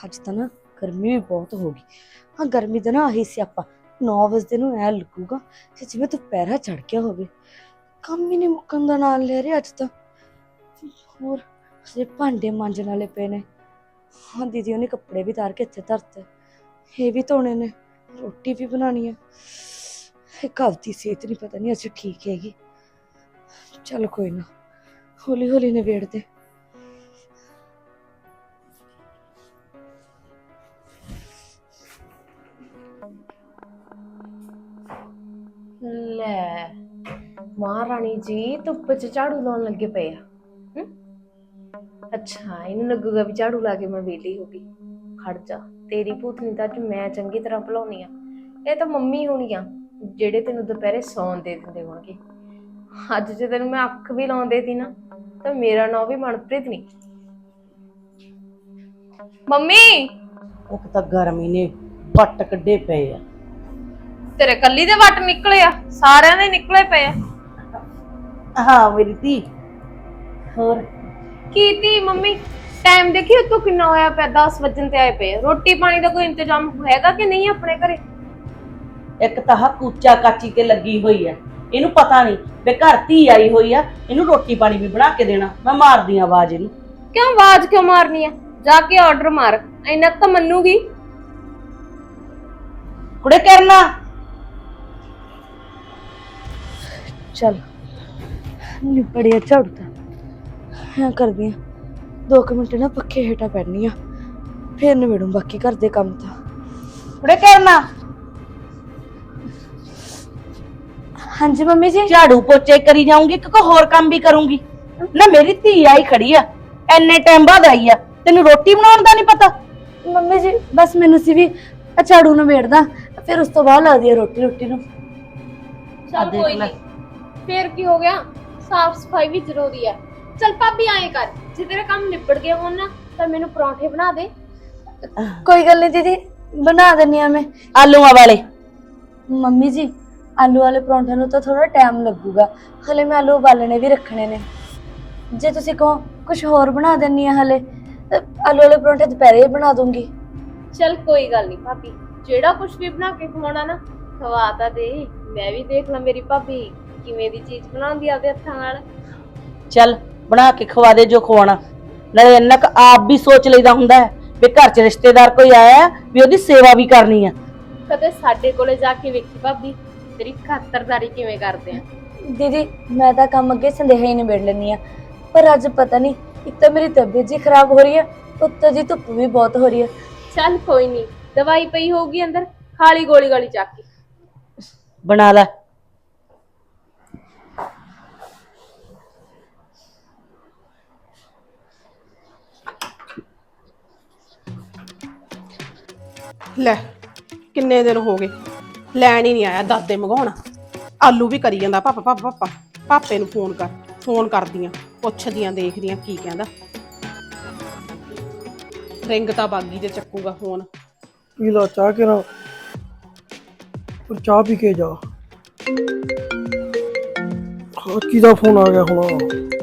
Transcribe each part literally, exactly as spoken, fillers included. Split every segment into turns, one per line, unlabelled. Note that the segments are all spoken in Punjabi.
ਅੱਜ ਤਾਂ ਨਾ ਗਰਮੀ ਵੀ ਬਹੁਤ ਹੋ ਗਈ। ਹਾਂ ਗਰਮੀ ਦਾ ਨਾ ਆਹੀ ਸਿਆਪਾ ਨੌ ਵਜੇ ਨੂੰ ਐ ਲੱਗੂਗਾ ਕਿ ਜਿਵੇਂ ਦੁਪਹਿਰਾ ਚੜ ਗਿਆ ਹੋਵੇ। ਕੰਮ ਹੀ ਨਹੀਂ ਮੁੱਕਣ ਦਾ ਨਾਲ ਲੈ ਰਿਹਾ ਅੱਜ ਤਾਂ। ਹੋਰ ਜੇ ਭਾਂਡੇ ਮਾਂਜਣ ਵਾਲੇ ਪਏ ਨੇ। ਹਾਂ ਦੀਦੀ ਉਹਨੇ ਕੱਪੜੇ ਵੀ ਤਾਰ ਕੇ ਇੱਥੇ ਧਰਤੇ, ਇਹ ਵੀ ਧੋਣੇ ਨੇ, ਰੋਟੀ ਵੀ ਬਣਾਉਣੀ ਹੈ। ਇਹ ਘਰ ਦੀ ਸਿਹਤ ਨਹੀਂ ਪਤਾ ਨਹੀਂ ਅੱਜ ਠੀਕ ਹੈਗੀ। ਚੱਲ ਕੋਈ ਨਾ, ਹੌਲੀ ਹੌਲੀ ਨਿਬੇੜਦੇ।
ਲੈ ਮਹਾਰਾਣੀ ਜੀ ਧੁੱਪ ਚ ਝਾੜੂ ਲਾਉਣ ਲੱਗੇ ਪਏ ਆ। ਹਮ? ਅੱਛਾ ਇਹਨੂੰ ਲੱਗੂਗਾ ਵੀ ਝਾੜੂ ਲਾ ਕੇ ਮੈਂ ਵਿਹਲੀ ਹੋ ਗਈ। ਖੜ ਜਾ, ਤੇਰੀ ਭੂਤਨੀ ਤਾਂ ਅੱਜ ਮੈਂ ਚੰਗੀ ਤਰ੍ਹਾਂ ਭੁਲਾਉਣੀ ਆ। ਇਹ ਤਾਂ ਮੰਮੀ ਹੋਣੀ ਆ ਜਿਹੜੇ ਤੈਨੂੰ ਦੁਪਹਿਰੇ ਸੌਣ ਦੇ ਦਿੰਦੇ ਹੋਣਗੇ। ਅੱਜ ਜੇ ਤੈਨੂੰ ਮੈਂ ਅੱਖ ਵੀ ਲਾਉਣ ਦੇਤੀ ਨਾ ਤਾਂ ਮੇਰਾ ਨਾਂ ਵੀ ਮਨਪ੍ਰੀਤ ਨਹੀਂ। ਮੰਮੀ
ਇੱਕ ਤਾਂ ਗਰਮੀ ਨੇ ਵੱਟ ਕੱਢੇ ਪਏ ਆ।
ਤੇਰੇ ਕੱਲੀ ਦੇ ਵੱਟ ਨਿਕਲੇ ਆ, ਸਾਰਿਆਂ ਦੇ ਨਿਕਲੇ ਪਏ ਆ।
ਹਾਂ ਮੇਰੀ ਧੀ। ਹੋਰ
ਕੀ ਤੀ ਮੰਮੀ, ਟਾਈਮ ਦੇਖੀ ਉਤੋਂ ਕਿੰਨਾ ਹੋਇਆ ਪਿਆ, ਦਸ ਵਜਣ ਤੇ ਆਏ ਪਏ। ਰੋਟੀ ਪਾਣੀ ਦਾ ਕੋਈ ਇੰਤਜ਼ਾਮ ਹੈਗਾ ਕਿ ਨਹੀਂ ਆਪਣੇ ਘਰੇ?
ਇੱਕ ਤਾਂ ਹਾ ਕੂਚਾ ਕਾਚੀ ਕੇ ਲੱਗੀ ਹੋਈ ਆ, ਇਹਨੂੰ ਪਤਾ ਨਹੀਂ ਵੀ ਘਰ ਧੀ ਆਈ ਹੋਈ ਆ, ਇਹਨੂੰ ਰੋਟੀ ਪਾਣੀ ਵੀ ਬਣਾ ਕੇ ਦੇਣਾ। ਮੈਂ ਮਾਰਦੀ ਆ ਆਵਾਜ਼ ਇਹਨੂੰ।
ਕਿਉਂ ਆਵਾਜ਼ ਕਿਉਂ ਮਾਰਨੀ ਆ? ਜਾ ਕੇ ਆਰਡਰ ਮਾਰ, ਇੰਨਾ ਤਾਂ ਮੰਨੂਗੀ।
ਕੁੜੇ ਕਰਨਾ
ਚੱਲ ਨਿਬੜਿਆ ਝਾੜੂ ਤਾਂ। ਹਾਂ ਕਰਦੀ ਆ, ਦੋ ਕੁ ਮਿੰਟ ਨਾ ਪੱਖੇ ਹੇਠਾਂ ਪੈਣੀ ਆ, ਫੇਰ ਨਿਬੇੜੂ ਬਾਕੀ ਘਰ ਦੇ ਕੰਮ ਤਾਂ।
ਕੁੜੇ ਕਰਨਾ
ਹਾਂਜੀ ਮੰਮੀ ਜੀ।
ਝਾੜੂ ਪੋਚੇ ਕਰੀ ਜਾਊਂਗੀ ਕਿ ਕੋਈ ਹੋਰ ਕੰਮ ਵੀ ਕਰੂੰਗੀ ਨਾ? ਮੇਰੀ ਧੀ ਆਈ ਖੜੀ ਆ, ਐਨੇ ਟਾਈਮ ਬਾਅਦ ਆਈ ਆ, ਤੈਨੂੰ ਰੋਟੀ ਬਣਾਉਣ ਦਾ ਨਹੀਂ ਪਤਾ?
ਮੰਮੀ ਜੀ ਬਸ ਮੈਨੂੰ ਸੀ ਵੀ ਆ ਝਾੜੂ ਨਿਬੇੜਦਾ, ਫਿਰ ਉਸ ਤੋਂ ਬਾਅਦ ਲੱਗਦੀ ਆ ਰੋਟੀ ਰੋਟੀ ਨੂੰ।
ਚੱਲ ਕੋਈ ਨਹੀਂ, ਫੇਰ ਕੀ ਹੋ ਗਿਆ, ਸਾਫ ਸਫਾਈ ਵੀ ਜ਼ਰੂਰੀ ਹੈ। ਚੱਲ ਭਾਬੀ ਆਏ ਕਰ, ਜੇ ਤੇਰੇ ਕੰਮ ਨਿਬੜ ਗਏ ਹੋਣ ਨਾ ਤਾਂ ਮੈਨੂੰ ਪਰੌਂਠੇ ਬਣਾ ਦੇ।
ਕੋਈ ਗੱਲ ਨਹੀਂ ਦੀਦੀ, ਬਣਾ ਦਿੰਨੀ ਆ ਮੈਂ।
ਆਲੂਆਂ ਵਾਲੇ?
ਮੰਮੀ ਜੀ ਆਲੂ ਵਾਲੇ ਪਰੌਂਠੇ ਨੂੰ ਤਾਂ ਥੋੜਾ ਟਾਈਮ ਲੱਗੂਗਾ, ਹਲੇ ਮੈਂ ਆਲੂ ਉਬਾਲਣੇ ਵੀ ਰੱਖਣੇ ਨੇ। ਜੇ ਤੁਸੀਂ ਕਹੋ ਕੁਝ ਹੋਰ ਬਣਾ ਦਿੰਨੀ ਆ ਹਲੇ, ਆਲੂ ਵਾਲੇ ਪਰੌਂਠੇ ਦੁਪਹਿਰੇ ਹੀ ਬਣਾ ਦੂੰਗੀ।
ਚੱਲ ਕੋਈ ਗੱਲ ਨਹੀਂ ਭਾਬੀ, ਜਿਹੜਾ ਕੁਝ ਵੀ ਬਣਾ ਕੇ ਖਵਾਉਣਾ ਨਾ ਖਵਾ ਤਾਂ ਦੇ। ਮੈਂ ਵੀ ਦੇਖ ਲਾਂ ਮੇਰੀ ਭਾਬੀ ਕਿਵੇਂ ਦੀ ਚੀਜ਼ ਬਣਾਉਂਦੀ ਆ ਆਪਦੇ ਹੱਥਾਂ ਨਾਲ।
ਚੱਲ ਬਣਾ ਕੇ ਖਵਾ ਦੇ ਜੋ ਖਵਾਉਣਾ। ਨਾਲੇ ਇੰਨਾ ਕੁ ਆਪ ਵੀ ਸੋਚ ਲਈਦਾ ਹੁੰਦਾ ਹੈ ਵੀ ਘਰ 'ਚ ਰਿਸ਼ਤੇਦਾਰ ਕੋਈ ਆਇਆ ਵੀ ਉਹਦੀ ਸੇਵਾ ਵੀ ਕਰਨੀ ਆ।
ਕਦੇ ਸਾਡੇ ਕੋਲੇ ਜਾ ਕੇ ਵੇਖੀ ਭਾਬੀ ਤੇਰੀ ਖਾਤਰਦਾਰੀ ਕਿਵੇਂ ਕਰਦੇ ਆ।
ਦੀਦੀ ਮੈਂ ਤਾਂ ਕੰਮ ਅੱਗੇ ਸੰਦੇਹਾ ਹੀ ਨਿਬੇੜ ਲੈਂਦੀ ਆ, ਪਰ ਅੱਜ ਪਤਾ ਨਹੀਂ ਇੱਕ ਤਾਂ ਮੇਰੀ ਤਬੀਅਤ ਜੀ ਖਰਾਬ ਹੋ ਰਹੀ ਹੈ, ਉੱਤੋਂ ਜੀ ਧੁੱਪ ਵੀ ਬਹੁਤ ਹੋ ਰਹੀ ਹੈ।
ਚੱਲ ਕੋਈ ਨਹੀਂ, ਦਵਾਈ ਪਈ ਹੋਊਗੀ ਅੰਦਰ, ਖਾਲੀ ਗੋਲੀ ਗੋਲੀ ਚੱਕ ਕੇ
ਬਣਾ ਲੈ।
ਲੈ ਕਿੰਨੇ ਦਿਨ ਹੋ ਗਏ ਲੈਣ ਹੀ ਨਹੀਂ ਆਇਆ ਦਾਦੇ ਮੰਗਾਉਣ। ਆਲੂ ਵੀ ਕਰੀ ਜਾਂਦਾ ਪਾਪਾ ਪਾਪਾ ਪਾਪਾ। ਪਾਪੇ ਨੂੰ ਫੋਨ ਕਰ, ਫੋਨ ਕਰਦੀਆਂ, ਪੁੱਛਦੀਆਂ, ਦੇਖਦੀਆਂ ਕੀ ਕਹਿੰਦਾ। ਰਿੰਗ ਤਾਂ ਬਾਗੀ ਤੇ ਚੱਕੂਗਾ ਫੋਨ।
ਪੀ ਲਾ ਚਾਹ ਕੇ ਨਾ, ਪਰ ਚਾਹ ਪੀ ਕੇ ਜਾ। ਹਾਂ ਕਿਹਦਾ ਫੋਨ ਆ ਗਿਆ ਹੁਣ?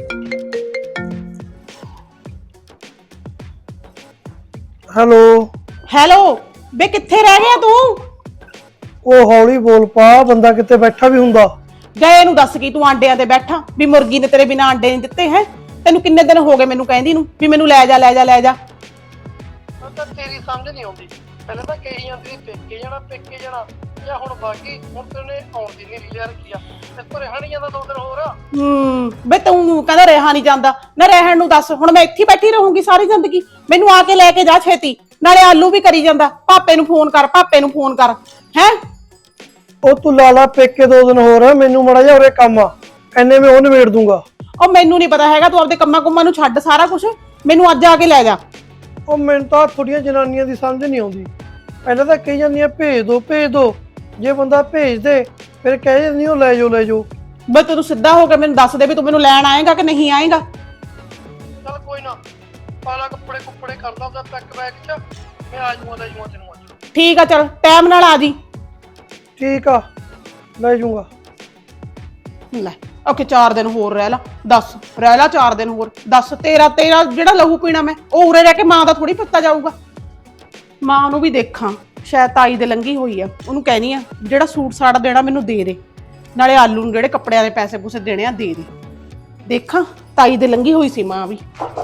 ਹੈਲੋ
ਹੈਲੋ ਬੇ ਕਿੱਥੇ ਰਹਿ ਗਿਆ ਤੂੰ?
ਉਹ ਹੌਲੀ ਬੋਲ ਪਾ, ਬੰਦਾ ਕਿਤੇ ਬੈਠਾ ਵੀ ਹੁੰਦਾ।
ਗਏ ਨੂੰ ਦੱਸ ਕੀ ਤੂੰ ਆਂਡਿਆਂ ਤੇ ਬੈਠਾ ਵੀ ਮੁਰਗੀ ਨੇ ਤੇਰੇ ਬਿਨਾਂ ਆਂਡੇ ਨਹੀਂ ਦਿੱਤੇ ਹੈ? ਤੈਨੂੰ ਕਿੰਨੇ ਦਿਨ ਹੋ ਗਏ ਮੈਨੂੰ ਕਹਿੰਦੀ ਨੂੰ ਵੀ ਮੈਨੂੰ ਲੈ ਜਾ ਲੈ ਜਾ ਲੈ ਜਾ।
ਤਾਂ ਤੇਰੀ ਸਮਝ ਨਹੀਂ ਆਉਂਦੀ, ਪਹਿਲਾਂ ਤਾਂ ਕਹੀ ਜਾਂਦੀ ਸੀ ਪੇਕੇ ਜਾਣਾ ਪੇਕੇ ਜਾਣਾ, ਜਾਂ ਹੁਣ ਬਾਕੀ ਹੁਣ ਤੈਨੇ ਆਉਣ ਦੀ ਨਹੀਂ ਲਿਆ ਰੱਖੀ ਆ। ਇਸ ਪਰ ਰਹਿਣ ਜਾਂਦਾ ਦੋ ਦਿਨ ਹੋਰ।
ਹੂੰ ਬੇ ਤੂੰ ਕਹਿੰਦਾ ਰਹਿਣਾ ਨਹੀਂ ਜਾਂਦਾ ਨਾ, ਰਹਿਣ ਨੂੰ ਦੱਸ ਹੁਣ ਮੈਂ ਇੱਥੇ ਬੈਠੀ ਰਹੂੰਗੀ ਸਾਰੀ ਜ਼ਿੰਦਗੀ? ਮੈਨੂੰ ਆ ਕੇ ਲੈ ਕੇ ਜਾ ਛੇਤੀ। ਨਾਲੇ ਆਲੂ ਵੀ ਕਰੀ ਜਾਂਦਾ, ਪਾਪੇ ਨੂੰ ਫੋਨ ਕਰ, ਪਾਪੇ ਨੂੰ ਫੋਨ ਕਰ। ਹੈ
ਉਹ ਤੂੰ ਲਾ ਲਾ ਪੇਕੇ ਦੋ ਦਿਨ ਹੋਰ, ਮੈਨੂੰ ਮਾੜਾ ਜਿਹਾ ਉਰੇ ਕੰਮ ਆ, ਐਨੇ ਮੈਂ ਉਹ ਨਿਬੇੜ ਦੂੰਗਾ।
ਉਹ ਮੈਨੂੰ ਨਹੀਂ ਪਤਾ ਹੈਗਾ, ਤੂੰ ਆਪਦੇ ਕੰਮਾਂ ਕੁੰਮਾਂ ਨੂੰ ਛੱਡ ਸਾਰਾ ਕੁਝ, ਮੈਨੂੰ ਅੱਜ ਆ ਕੇ ਲੈ ਜਾ।
ਉਹ ਮੈਨੂੰ ਤਾਂ ਥੋੜੀਆਂ ਜਨਾਨੀਆਂ ਦੀ ਸਮਝ ਨਹੀਂ ਆਉਂਦੀ, ਪਹਿਲਾਂ ਤਾਂ ਕਹੀ ਜਾਂਦੀਆਂ ਭੇਜ ਦੋ ਭੇਜ ਦੋ, ਜੇ ਬੰਦਾ ਭੇਜ ਦੇ ਫਿਰ ਕਹਿ ਜਾਂਦੀ ਉਹ ਲੈ ਜਾਓ ਲੈ ਜਾਓ।
ਬਸ ਤੂੰ ਸਿੱਧਾ ਹੋ ਕੇ ਮੈਨੂੰ ਦੱਸ ਦੇ ਵੀ ਤੂੰ ਮੈਨੂੰ ਲੈਣ ਆਏਗਾ ਕਿ ਨਹੀਂ ਆਏਗਾ।
ਚੱਲ ਕੋਈ ਨਾ, ਪਾਲਾ ਕੱਪੜੇ ਕੁੱਪੜੇ ਕਰਦਾ ਉਹਦਾ ਪੈਕ ਬੈਗ ਚ, ਮੈਂ ਆ ਜਾਊਂਗਾ ਲੈ ਜਾਊਂਗਾ ਤੈਨੂੰ ਅੱਜ।
ਠੀਕ ਆ ਚਲ ਟਾਈਮ ਨਾਲ ਆ ਜੀ।
ਠੀਕ ਆ ਲੈ ਜਾਊਂਗਾ।
ਲੈ ਓਕੇ ਚਾਰ ਦਿਨ ਹੋਰ ਰਹਿ ਲਾ, ਦੱਸ ਰਹਿ ਲਾ ਚਾਰ ਦਿਨ ਹੋਰ, ਦੱਸ ਤੇਰਾ ਤੇਰਾ ਜਿਹੜਾ ਲਹੂ ਪੀਣਾ ਮੈਂ ਉਹ ਉਰੇ ਰਹਿ ਕੇ ਮਾਂ ਦਾ ਥੋੜੀ ਪੱਤਾ ਜਾਊਗਾ। ਮਾਂ ਨੂੰ ਵੀ ਦੇਖਾਂ, ਸ਼ਾਇਦ ਤਾਈ ਦੇ ਲੰਗੀ ਹੋਈ ਆ, ਉਹਨੂੰ ਕਹਿਣੀ ਆ ਜਿਹੜਾ ਸੂਟ ਸਾੜਾ ਦੇਣਾ ਮੈਨੂੰ ਦੇ ਦੇ, ਨਾਲੇ ਆਲੂ ਨੂੰ ਜਿਹੜੇ ਕੱਪੜਿਆਂ ਦੇ ਪੈਸੇ ਪੂਸੇ ਦੇਣੇ ਆ ਦੇ ਦੇ। ਦੇਖਾਂ ਤਾਈ ਦੇ ਲੰਗੀ ਹੋਈ ਸੀ ਮਾਂ ਵੀ।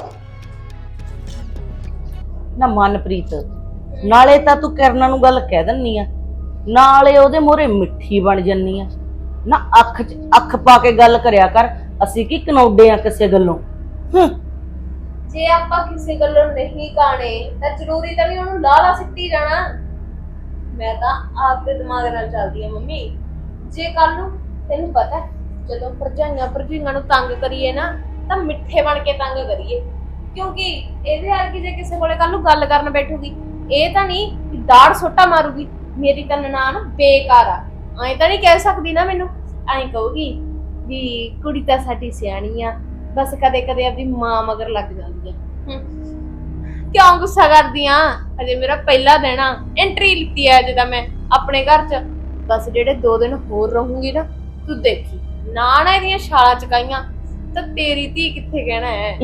ਨਾ ਮਨਪ੍ਰੀਤ, ਨਾਲੇ ਤਾਂ ਤੂੰ ਕਿਰਨਾਂ ਨੂੰ ਗੱਲ ਕਹਿ ਦਿੰਨੀ ਆ, ਨਾਲੇ ਉਹਦੇ ਮੂਹਰੇ ਮਿੱਠੀ ਬਣ ਜੰਨੀ ਆ। ਨਾ ਅੱਖ 'ਚ ਅੱਖ ਪਾ ਕੇ ਗੱਲ ਕਰਿਆ ਕਰ, ਅਸੀਂ ਕੀ ਕਨੌਡੇ ਆ ਕਿਸੇ ਗੱਲੋਂ। ਹੂੰ,
ਜੇ ਆਪਾਂ ਕਿਸੇ ਗੱਲੋਂ ਨਹੀਂ ਕਾਣੇ ਤਾਂ ਜ਼ਰੂਰੀ ਤਾਂ ਵੀ ਉਹਨੂੰ ਲਾਲਾ ਸਿੱਟੀ ਜਾਣਾ। ਮੈਂ ਤਾਂ ਆਪਦੇ ਦਿਮਾਗ ਨਾਲ ਚੱਲਦੀ ਆ ਮੰਮੀ। ਜੇ ਕੱਲ ਨੂੰ ਤੈਨੂੰ ਪਤਾ ਜਦੋਂ ਭਰਜਾਈਆਂ ਭਰਜੀਆਂ ਨੂੰ ਤੰਗ ਕਰੀਏ ਨਾ ਤਾਂ ਮਿੱਠੇ ਬਣ ਕੇ ਤੰਗ ਕਰੀਏ, ਕਿਉਂਕਿ ਇਹਦੇ ਵਰਗੀ ਜੇ ਕਿਸੇ ਕੋਲੇ ਕੱਲ ਨੂੰ ਗੱਲ ਕਰਨ ਬੈਠੂਗੀ ਇਹ ਤਾਂ ਨਹੀਂ ਕਿ ਦਾੜ ਸੋਟਾ ਮਾਰੂਗੀ ਮੇਰੀ ਤਾਂ ਨਨਾਣ ਬੇਕਾਰ ਆ, ਐਂ ਤਾਂ ਨਹੀਂ ਕਹਿ ਸਕਦੀ ਨਾ ਮੈਨੂੰ। ਐਂ ਕਹੂਗੀ ਵੀ ਕੁੜੀ ਤਾਂ ਸਾਡੀ ਸਿਆਣੀ ਆ, ਬਸ ਕਦੇ ਕਦੇ ਆਪਣੀ ਮਾਂ ਮਗਰ ਲੱਗ ਜਾਂਦੀ ਆ। ਕਿਉਂ ਗੁੱਸਾ ਕਰਦੀ ਆ? ਅਜੇ ਮੇਰਾ ਪਹਿਲਾ ਦਿਨ ਆ, ਐਂਟਰੀ ਲਿੱਤੀ ਆ ਅਜੇ ਤਾਂ ਮੈਂ ਆਪਣੇ ਘਰ 'ਚ। ਬਸ ਜਿਹੜੇ ਦੋ ਦਿਨ ਹੋਰ ਰਹੂੰਗੀ ਨਾ ਤੂੰ ਦੇਖੀ, ਨਾ ਨਾ ਇਹਦੀਆਂ ਛਾਲਾਂ ਚਕਾਈਆਂ ਤਾਂ ਤੇਰੀ ਧੀ ਕਿੱਥੇ ਕਹਿਣਾ ਹੈ।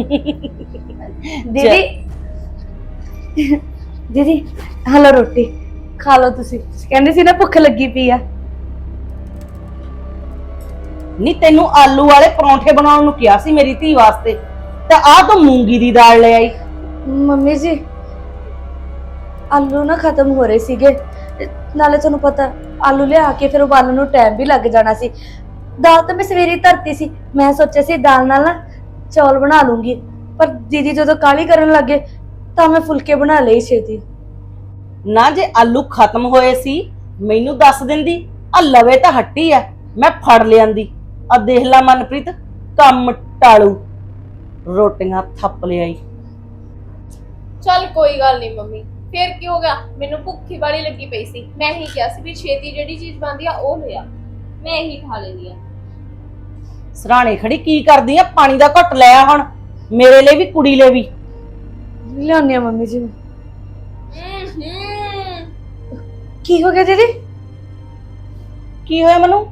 ਦੀਦੀ ਦੀਦੀ ਹਲੋ ਰੋਟੀ ਖਾ ਲਓ। ਤੁਸੀਂ ਕਹਿੰਦੇ ਸੀ ਨਾ ਭੁੱਖ ਲੱਗੀ ਪਈ ਆ।
ਨਹੀਂ ਤੈਨੂੰ ਆਲੂ ਵਾਲੇ ਪਰੌਂਠੇ ਬਣਾਉਣ ਨੂੰ ਕਿਹਾ ਸੀ ਮੇਰੀ ਧੀ ਵਾਸਤੇ, ਤੇ ਆਹ ਤੂੰ ਮੂੰਗੀ ਦੀ ਦਾਲ ਲੈ ਆਈ।
ਮੰਮੀ ਜੀ ਆਲੂ ਨਾ ਖਤਮ ਹੋ ਰਹੇ ਸੀਗੇ, ਨਾਲੇ ਤੁਹਾਨੂੰ ਪਤਾ ਆਲੂ ਲਿਆ ਕੇ ਫਿਰ ਉਬਾਲਣ ਨੂੰ ਟਾਈਮ ਵੀ ਲੱਗ ਜਾਣਾ ਸੀ। ਦਾਲ ਤਾਂ ਮੈਂ ਸਵੇਰੇ ਧਰਤੀ ਸੀ, ਮੈਂ ਸੋਚਿਆ ਸੀ ਦਾਲ ਨਾਲ ਨਾ ਚੌਲ ਬਣਾ ਲੂੰਗੀ, ਪਰ ਦੀਦੀ ਜਦੋਂ ਕਾਲੀ ਕਰਨ ਲੱਗੇ ਤਾਂ ਮੈਂ ਫੁਲਕੇ ਬਣਾ ਲਏ ਛੇਤੀ।
ਨਾ ਜੇ ਆਲੂ ਖਤਮ ਹੋਏ ਸੀ ਮੈਨੂੰ ਦੱਸ ਦਿੰਦੀ, ਆ ਲਵੇ ਤਾਂ ਹੱਟੀ ਆ, ਮੈਂ ਫੜ ਲਿਆਂਦੀ। ਆ ਦੇਖ ਲਾ ਮਨਪ੍ਰੀਤ, ਕੰਮ ਟਾਲੂ, ਰੋਟੀਆਂ ਥੱਪ ਲਿਆਈ।
ਚੱਲ ਕੋਈ ਗੱਲ ਨਹੀਂ ਮੰਮੀ, ਫੇਰ ਕੀ ਹੋ ਗਿਆ? ਮੈਨੂੰ ਭੁੱਖੀ ਵਾਲੀ ਲੱਗੀ ਪਈ ਸੀ, ਮੈਂ ਹੀ ਕਿਹਾ ਸੀ ਵੀ ਛੇਤੀ ਜਿਹੜੀ ਚੀਜ਼ ਬਣਦੀ ਆ ਉਹ ਲਿਆ, ਮੈਂ ਇਹੀ ਖਾ ਲੈਂਦੀ ਆ।
ਸਰਾਣੇ ਖੜੀ ਕੀ ਕਰਦੀ ਆ? ਪਾਣੀ ਦਾ ਘੁੱਟ ਲੈ ਆ ਹੁਣ, ਮੇਰੇ ਲਈ ਵੀ ਕੁੜੀ ਲਈ ਵੀ।
ਲਿਆਉਂਦੀ ਆ ਮੰਮੀ ਜੀ।
ਹੂੰ
ਕੀ ਹੋ ਗਿਆ ਦੀਦੀ?
ਕੀ ਹੋਇਆ ਮੈਨੂੰ?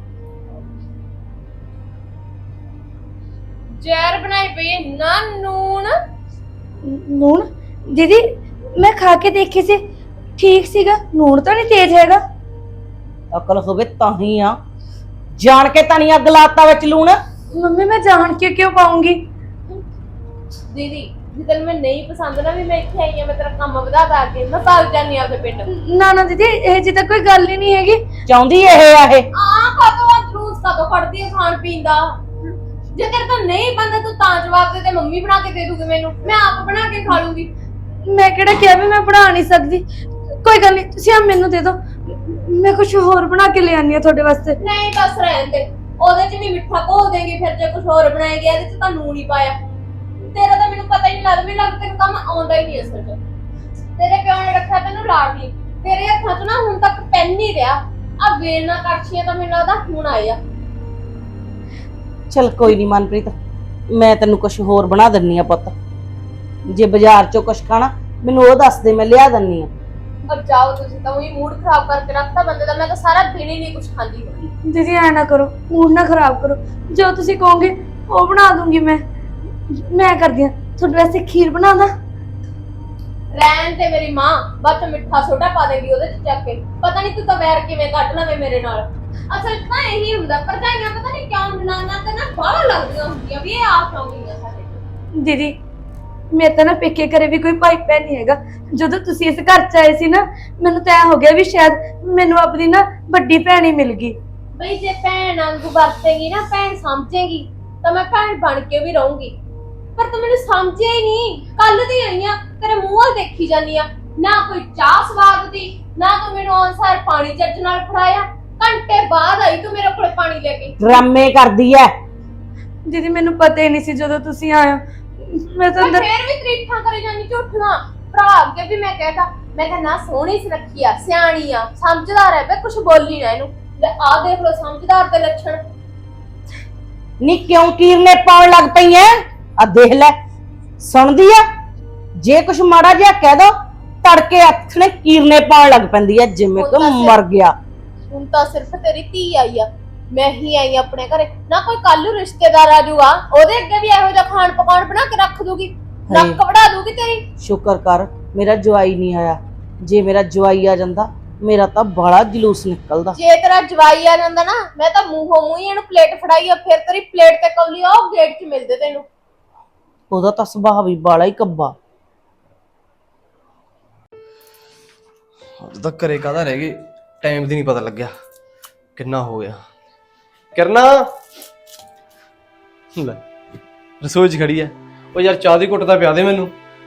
ਜ਼ਹਿਰ ਬਣਾਈ ਪਈ ਹੈ ਨਾ ਨੂਣ।
ਨੂਣ? ਦੀਦੀ ਮੈਂ ਖਾ ਕੇ ਦੇਖੀ ਸੀ, ਠੀਕ ਸੀਗਾ, ਨੂਣ ਤਾਂ ਨਹੀਂ ਤੇਜ਼ ਹੈਗਾ।
ਅਕਲ ਹੋਵੇ ਤਾਂ ਹੀ ਆ, ਜਾਣ ਕੇ ਤਾਂ ਨਹੀਂ ਅੱਗ ਲਾਤਾ ਵਿੱਚ ਲੂਣ।
ਮੰਮੀ ਮੈਂ ਜਾਣ ਕੇ ਕਿਉਂ ਪਾਉਂਗੀ?
ਦੀਦੀ ਜਿੱਦਣ ਮੈਂ ਨਹੀਂ ਪਸੰਦ ਨਾ ਵੀ ਮੈਂ ਇੱਥੇ ਆਈ ਆ, ਮੈਂ ਤੇਰਾ ਕੰਮ ਵਧਾ ਤਾ ਕੇ ਮੈਂ ਭਾਗ ਜਾਨੀ ਆ ਆਪਣੇ ਪਿੰਡ।
ਨਾ ਨਾ ਦੀਦੀ ਇਹ ਜੀ ਤਾਂ ਕੋਈ ਗੱਲ ਹੀ ਨਹੀਂ ਹੈਗੀ।
ਚਾਹੁੰਦੀ ਇਹ ਆ ਇਹ
ਆ ਕਾਤੋਂ ਆ ਜਲੂਸ ਕਾਤੋਂ ਕੱਢਦੀ ਆ ਖਾਣ ਪੀਣ ਦਾ? ਜੇ ਤੇਰੇ ਤੋਂ ਨਹੀਂ ਬੰਦਾ ਤੂੰ ਤਾਂ ਜਵਾਬ ਦੇ ਦੇ, ਮੰਮੀ ਬਣਾ ਕੇ ਦੇ ਦੂਗੀ ਮੈਨੂੰ, ਮੈਂ ਆਪ ਬਣਾ ਕੇ ਖਾ ਲੂੰਗੀ।
ਮੈਂ ਕਿਹੜਾ ਕਿਹਾ ਵੀ ਮੈਂ ਬਣਾ ਨਹੀਂ ਸਕਦੀ? ਕੋਈ ਗੱਲ ਨਹੀਂ, ਤੁਸੀਂ ਆ ਮੈਨੂੰ ਦੇ ਦਿਓ, ਮੈਂ ਕੁਝ ਹੋਰ ਬਣਾ ਕੇ ਲੈ ਆਨੀ ਆ ਤੁਹਾਡੇ ਵਾਸਤੇ।
ਨਹੀਂ ਬਸ ਰਹਿਣ ਦੇ, ਉਹਦੇ 'ਚ ਵੀ ਮਿੱਠਾ ਘੋਲ ਦੇਂਗੇ ਫਿਰ ਜੇ ਕੁਝ ਹੋਰ ਬਣਾਏਗੀ, ਇਹਦੇ 'ਚ ਤਾਂ ਨੂਣ ਹੀ ਪਾਇਆ। ਤੇਰਾ ਤਾਂ ਮੈਨੂੰ ਪਤਾ ਹੀ ਨਹੀਂ ਲੱਗਦਾ, ਮੈਨੂੰ ਲੱਗਦਾ ਤੈਨੂੰ ਕੰਮ ਆਉਂਦਾ ਹੀ ਨਹੀਂ ਅਸਲ 'ਚ। ਤੇਰੇ ਪਿਓ ਨੇ ਰੱਖਿਆ ਤੈਨੂੰ ਲਾਡਲੀ, ਤੇਰੇ ਹੱਥਾਂ 'ਚ ਨਾ ਹੁਣ ਤੱਕ ਪੈਨ ਨਹੀਂ ਰਿਹਾ। ਆ ਵੇਲਣਾ ਕੜਛੀਆਂ ਤਾਂ ਮੈਨੂੰ ਲੱਗਦਾ ਹੁਣ ਆਏ ਆ।
ਚਲ ਕੋਈ ਨਹੀਂ ਮਨਪ੍ਰੀਤ, ਮੈਂ ਤੈਨੂੰ ਕੁਝ ਹੋਰ ਬਣਾ ਦਿੰਨੀ ਆ ਪੁੱਤ। ਜੇ ਬਾਜ਼ਾਰ ਚੋਂ ਕੁਝ ਖਾਣਾ ਮੈਨੂੰ ਉਹ ਦੱਸ ਦੇ, ਮੈਂ ਲਿਆ ਦਿੰਨੀ ਆ।
अब जाओ, तुझे तो वही मूड खराब करके रखता बंदे दा। मैं तो सारा दिन ही नहीं कुछ खाती होगी।
ਦੀਦੀ ਐ ਨਾ ਕਰੋ, ਮੂਡ ਨਾ ਖਰਾਬ ਕਰੋ, ਜੋ ਤੁਸੀਂ ਕਹੋਗੇ ਉਹ ਬਣਾ ਦੂੰਗੀ ਮੈਂ। ਮੈਂ ਕਰਦੀ ਆ ਤੁਹਾਡੇ ਵਾਸਤੇ ਖੀਰ ਬਣਾ ਦਾਂ।
रहन ते मेरी मां बस मिठा सोडा पा देगी ओदे च चक के, पता नहीं तू तो वैर किवें कट लवे मेरे नाल। असल च ना यही हुंदा, भरजाइयां पता नहीं क्यों जनाना ते ना बाहला लगदियां हुंदियां भी ये आप लाउंगियां साडे।
ਦੀਦੀ ਮੇਰੇ ਤਾਂ ਨਾ ਪੇਕੇ ਘਰੇ ਵੀ ਕੋਈ ਭਾਈ ਭੈਣ ਨਹੀਂ ਹੈਗਾ। ਜਦੋਂ ਤੁਸੀਂ ਇਸ ਘਰ ਚ ਆਏ ਸੀ ਨਾ ਮੈਨੂੰ ਤਾਂ ਐ ਹੋ ਗਿਆ ਵੀ ਸ਼ਾਇਦ ਮੈਨੂੰ ਆਪਣੀ ਨਾ ਵੱਡੀ ਭੈਣ ਹੀ ਮਿਲ ਗਈ।
ਬਈ ਜੇ ਭੈਣ ਵਾਂਗੂ ਵਰਤੇਗੀ ਨਾ, ਭੈਣ ਸਮਝੇਗੀ ਤਾਂ ਮੈਂ ਭੈਣ ਬਣ ਕੇ ਵੀ ਰਹੂੰਗੀ। ਪਰ ਤੂੰ ਮੈਨੂੰ ਸਮਝਿਆ ਹੀ ਨਹੀਂ। ਕੱਲ ਦੀ ਆਈ ਆ, ਤੇਰੇ ਮੂੰਹ ਵੱਲ ਦੇਖੀ ਜਾਨੀ ਆ, ਨਾ ਕੋਈ ਚਾਹ ਸਵਾਦ ਦੀ, ਨਾ ਤੂੰ ਮੈਨੂੰ ਅਨਸਾਰ ਪਾਣੀ ਚੱਜ ਨਾਲ ਫੜਾਇਆ। ਘੰਟੇ ਬਾਅਦ ਆਈ ਤੂੰ ਮੇਰੇ ਕੋਲ ਪਾਣੀ ਲੈ ਕੇ।
ਡਰਾਮੇ ਕਰਦੀ ਐ।
ਦੀਦੀ ਮੈਨੂੰ ਪਤਾ ਹੀ ਨਹੀਂ ਸੀ ਜਦੋਂ ਤੁਸੀਂ ਆਏ ਹੋ। ਮੈਂ ਤਾਂ
ਮੈਂ
ਅੰਦਰ
ਫੇਰ ਵੀ ਤਰੀਫਾਂ ਕਰੀ ਜਾਨੀ ਝੂਠੀਆਂ। ਭਰਾ ਅੱਗੇ ਵੀ ਮੈਂ ਕਹਿਤਾ, ਮੈਂ ਕਿਹਾ ਨਾ ਸੋਹਣੀ ਸੁਨੱਖੀ ਆ, ਸਿਆਣੀ ਆ, ਸਮਝਦਾਰ ਹੈ, ਬੇ ਕੁਛ ਬੋਲੀ ਨਾ ਇਹਨੂੰ। ਲੈ ਆ ਦੇਖ ਲੋ ਸਮਝਦਾਰ ਦੇ ਲੱਛਣ।
ਨੀ ਕਿਉਂ ਕੀਰਨੇ ਪਾਉਣ ਲੱਗ ਪਈ ਐ? ਆ ਦੇਖ ਲੈ, ਸੁਣਦੀ ਆ? ਜੇ ਕੁਛ ਮਾੜਾ ਜਿਹਾ ਕਹਿ ਦੋ ਤੜਕੇ ਅੱਖਣੇ ਕੀਰਨੇ ਪਾਉਣ ਲੱਗ ਪੈਂਦੀ ਐ, ਜਿਵੇਂ ਕਿ ਮਰ ਗਿਆ।
ਹੁਣ ਤਾਂ ਸਿਰਫ ਤੇਰੀ ਧੀ ਆਈ ਆ, ਮੈਂ ਹੀ ਆਈ ਆਪਣੇ ਘਰੇ। ਨਾ ਕੋਈ ਕੱਲ ਨੂੰ ਰਿਸ਼ਤੇਦਾਰ ਆ ਜਾਊਗਾ, ਉਹਦੇ ਅੱਗੇ ਵੀ ਇਹੋ ਜਿਹਾ ਖਾਣ ਪਕਾਉਣ ਬਣਾ ਕੇ ਰੱਖ ਦੂਗੀ, ਨੱਕ ਵੜਾ ਦੂਗੀ ਤੇਰੀ।
ਸ਼ੁਕਰ ਕਰ ਮੇਰਾ ਜਵਾਈ ਨਹੀਂ ਆਇਆ, ਜੇ ਮੇਰਾ ਜਵਾਈ ਆ ਜਾਂਦਾ ਮੇਰਾ ਤਾਂ ਬਾਲਾ ਜਲੂਸ ਨਿਕਲਦਾ।
ਜੇ ਤੇਰਾ ਜਵਾਈ ਆ ਜਾਂਦਾ ਨਾ ਮੈਂ ਤਾਂ ਮੂੰਹੋਂ ਮੂੰਹ ਹੀ ਇਹਨੂੰ ਪਲੇਟ ਫੜਾਈ ਆ, ਫਿਰ ਤੇਰੀ ਪਲੇਟ ਤੇ ਕੌਲੀ ਆ ਉਹ ਗੇਟ 'ਚ ਮਿਲਦੇ ਤੈਨੂੰ।
ਉਹਦਾ ਤਾਂ ਸੁਭਾਅ ਵੀ ਬਾਲਾ ਹੀ ਕੱਬਾ।
ਅੱਜ ਤੱਕ ਘਰੇ ਕਾਹਦਾ ਰਹਿ ਗਏ, ਟਾਈਮ ਦੀ ਨਹੀਂ ਪਤਾ ਲੱਗਿਆ ਕਿੰਨਾ ਹੋ ਗਿਆ। ਕਿਰਨਾ ਲੈ ਰਸੋਈ 'ਚ ਖੜੀ ਐ। ਉਹ ਯਾਰ ਚਾਹ ਦੀ ਘੁੱਟ ਤਾਂ ਪਿਆ ਦੇ ਮੈਨੂੰ।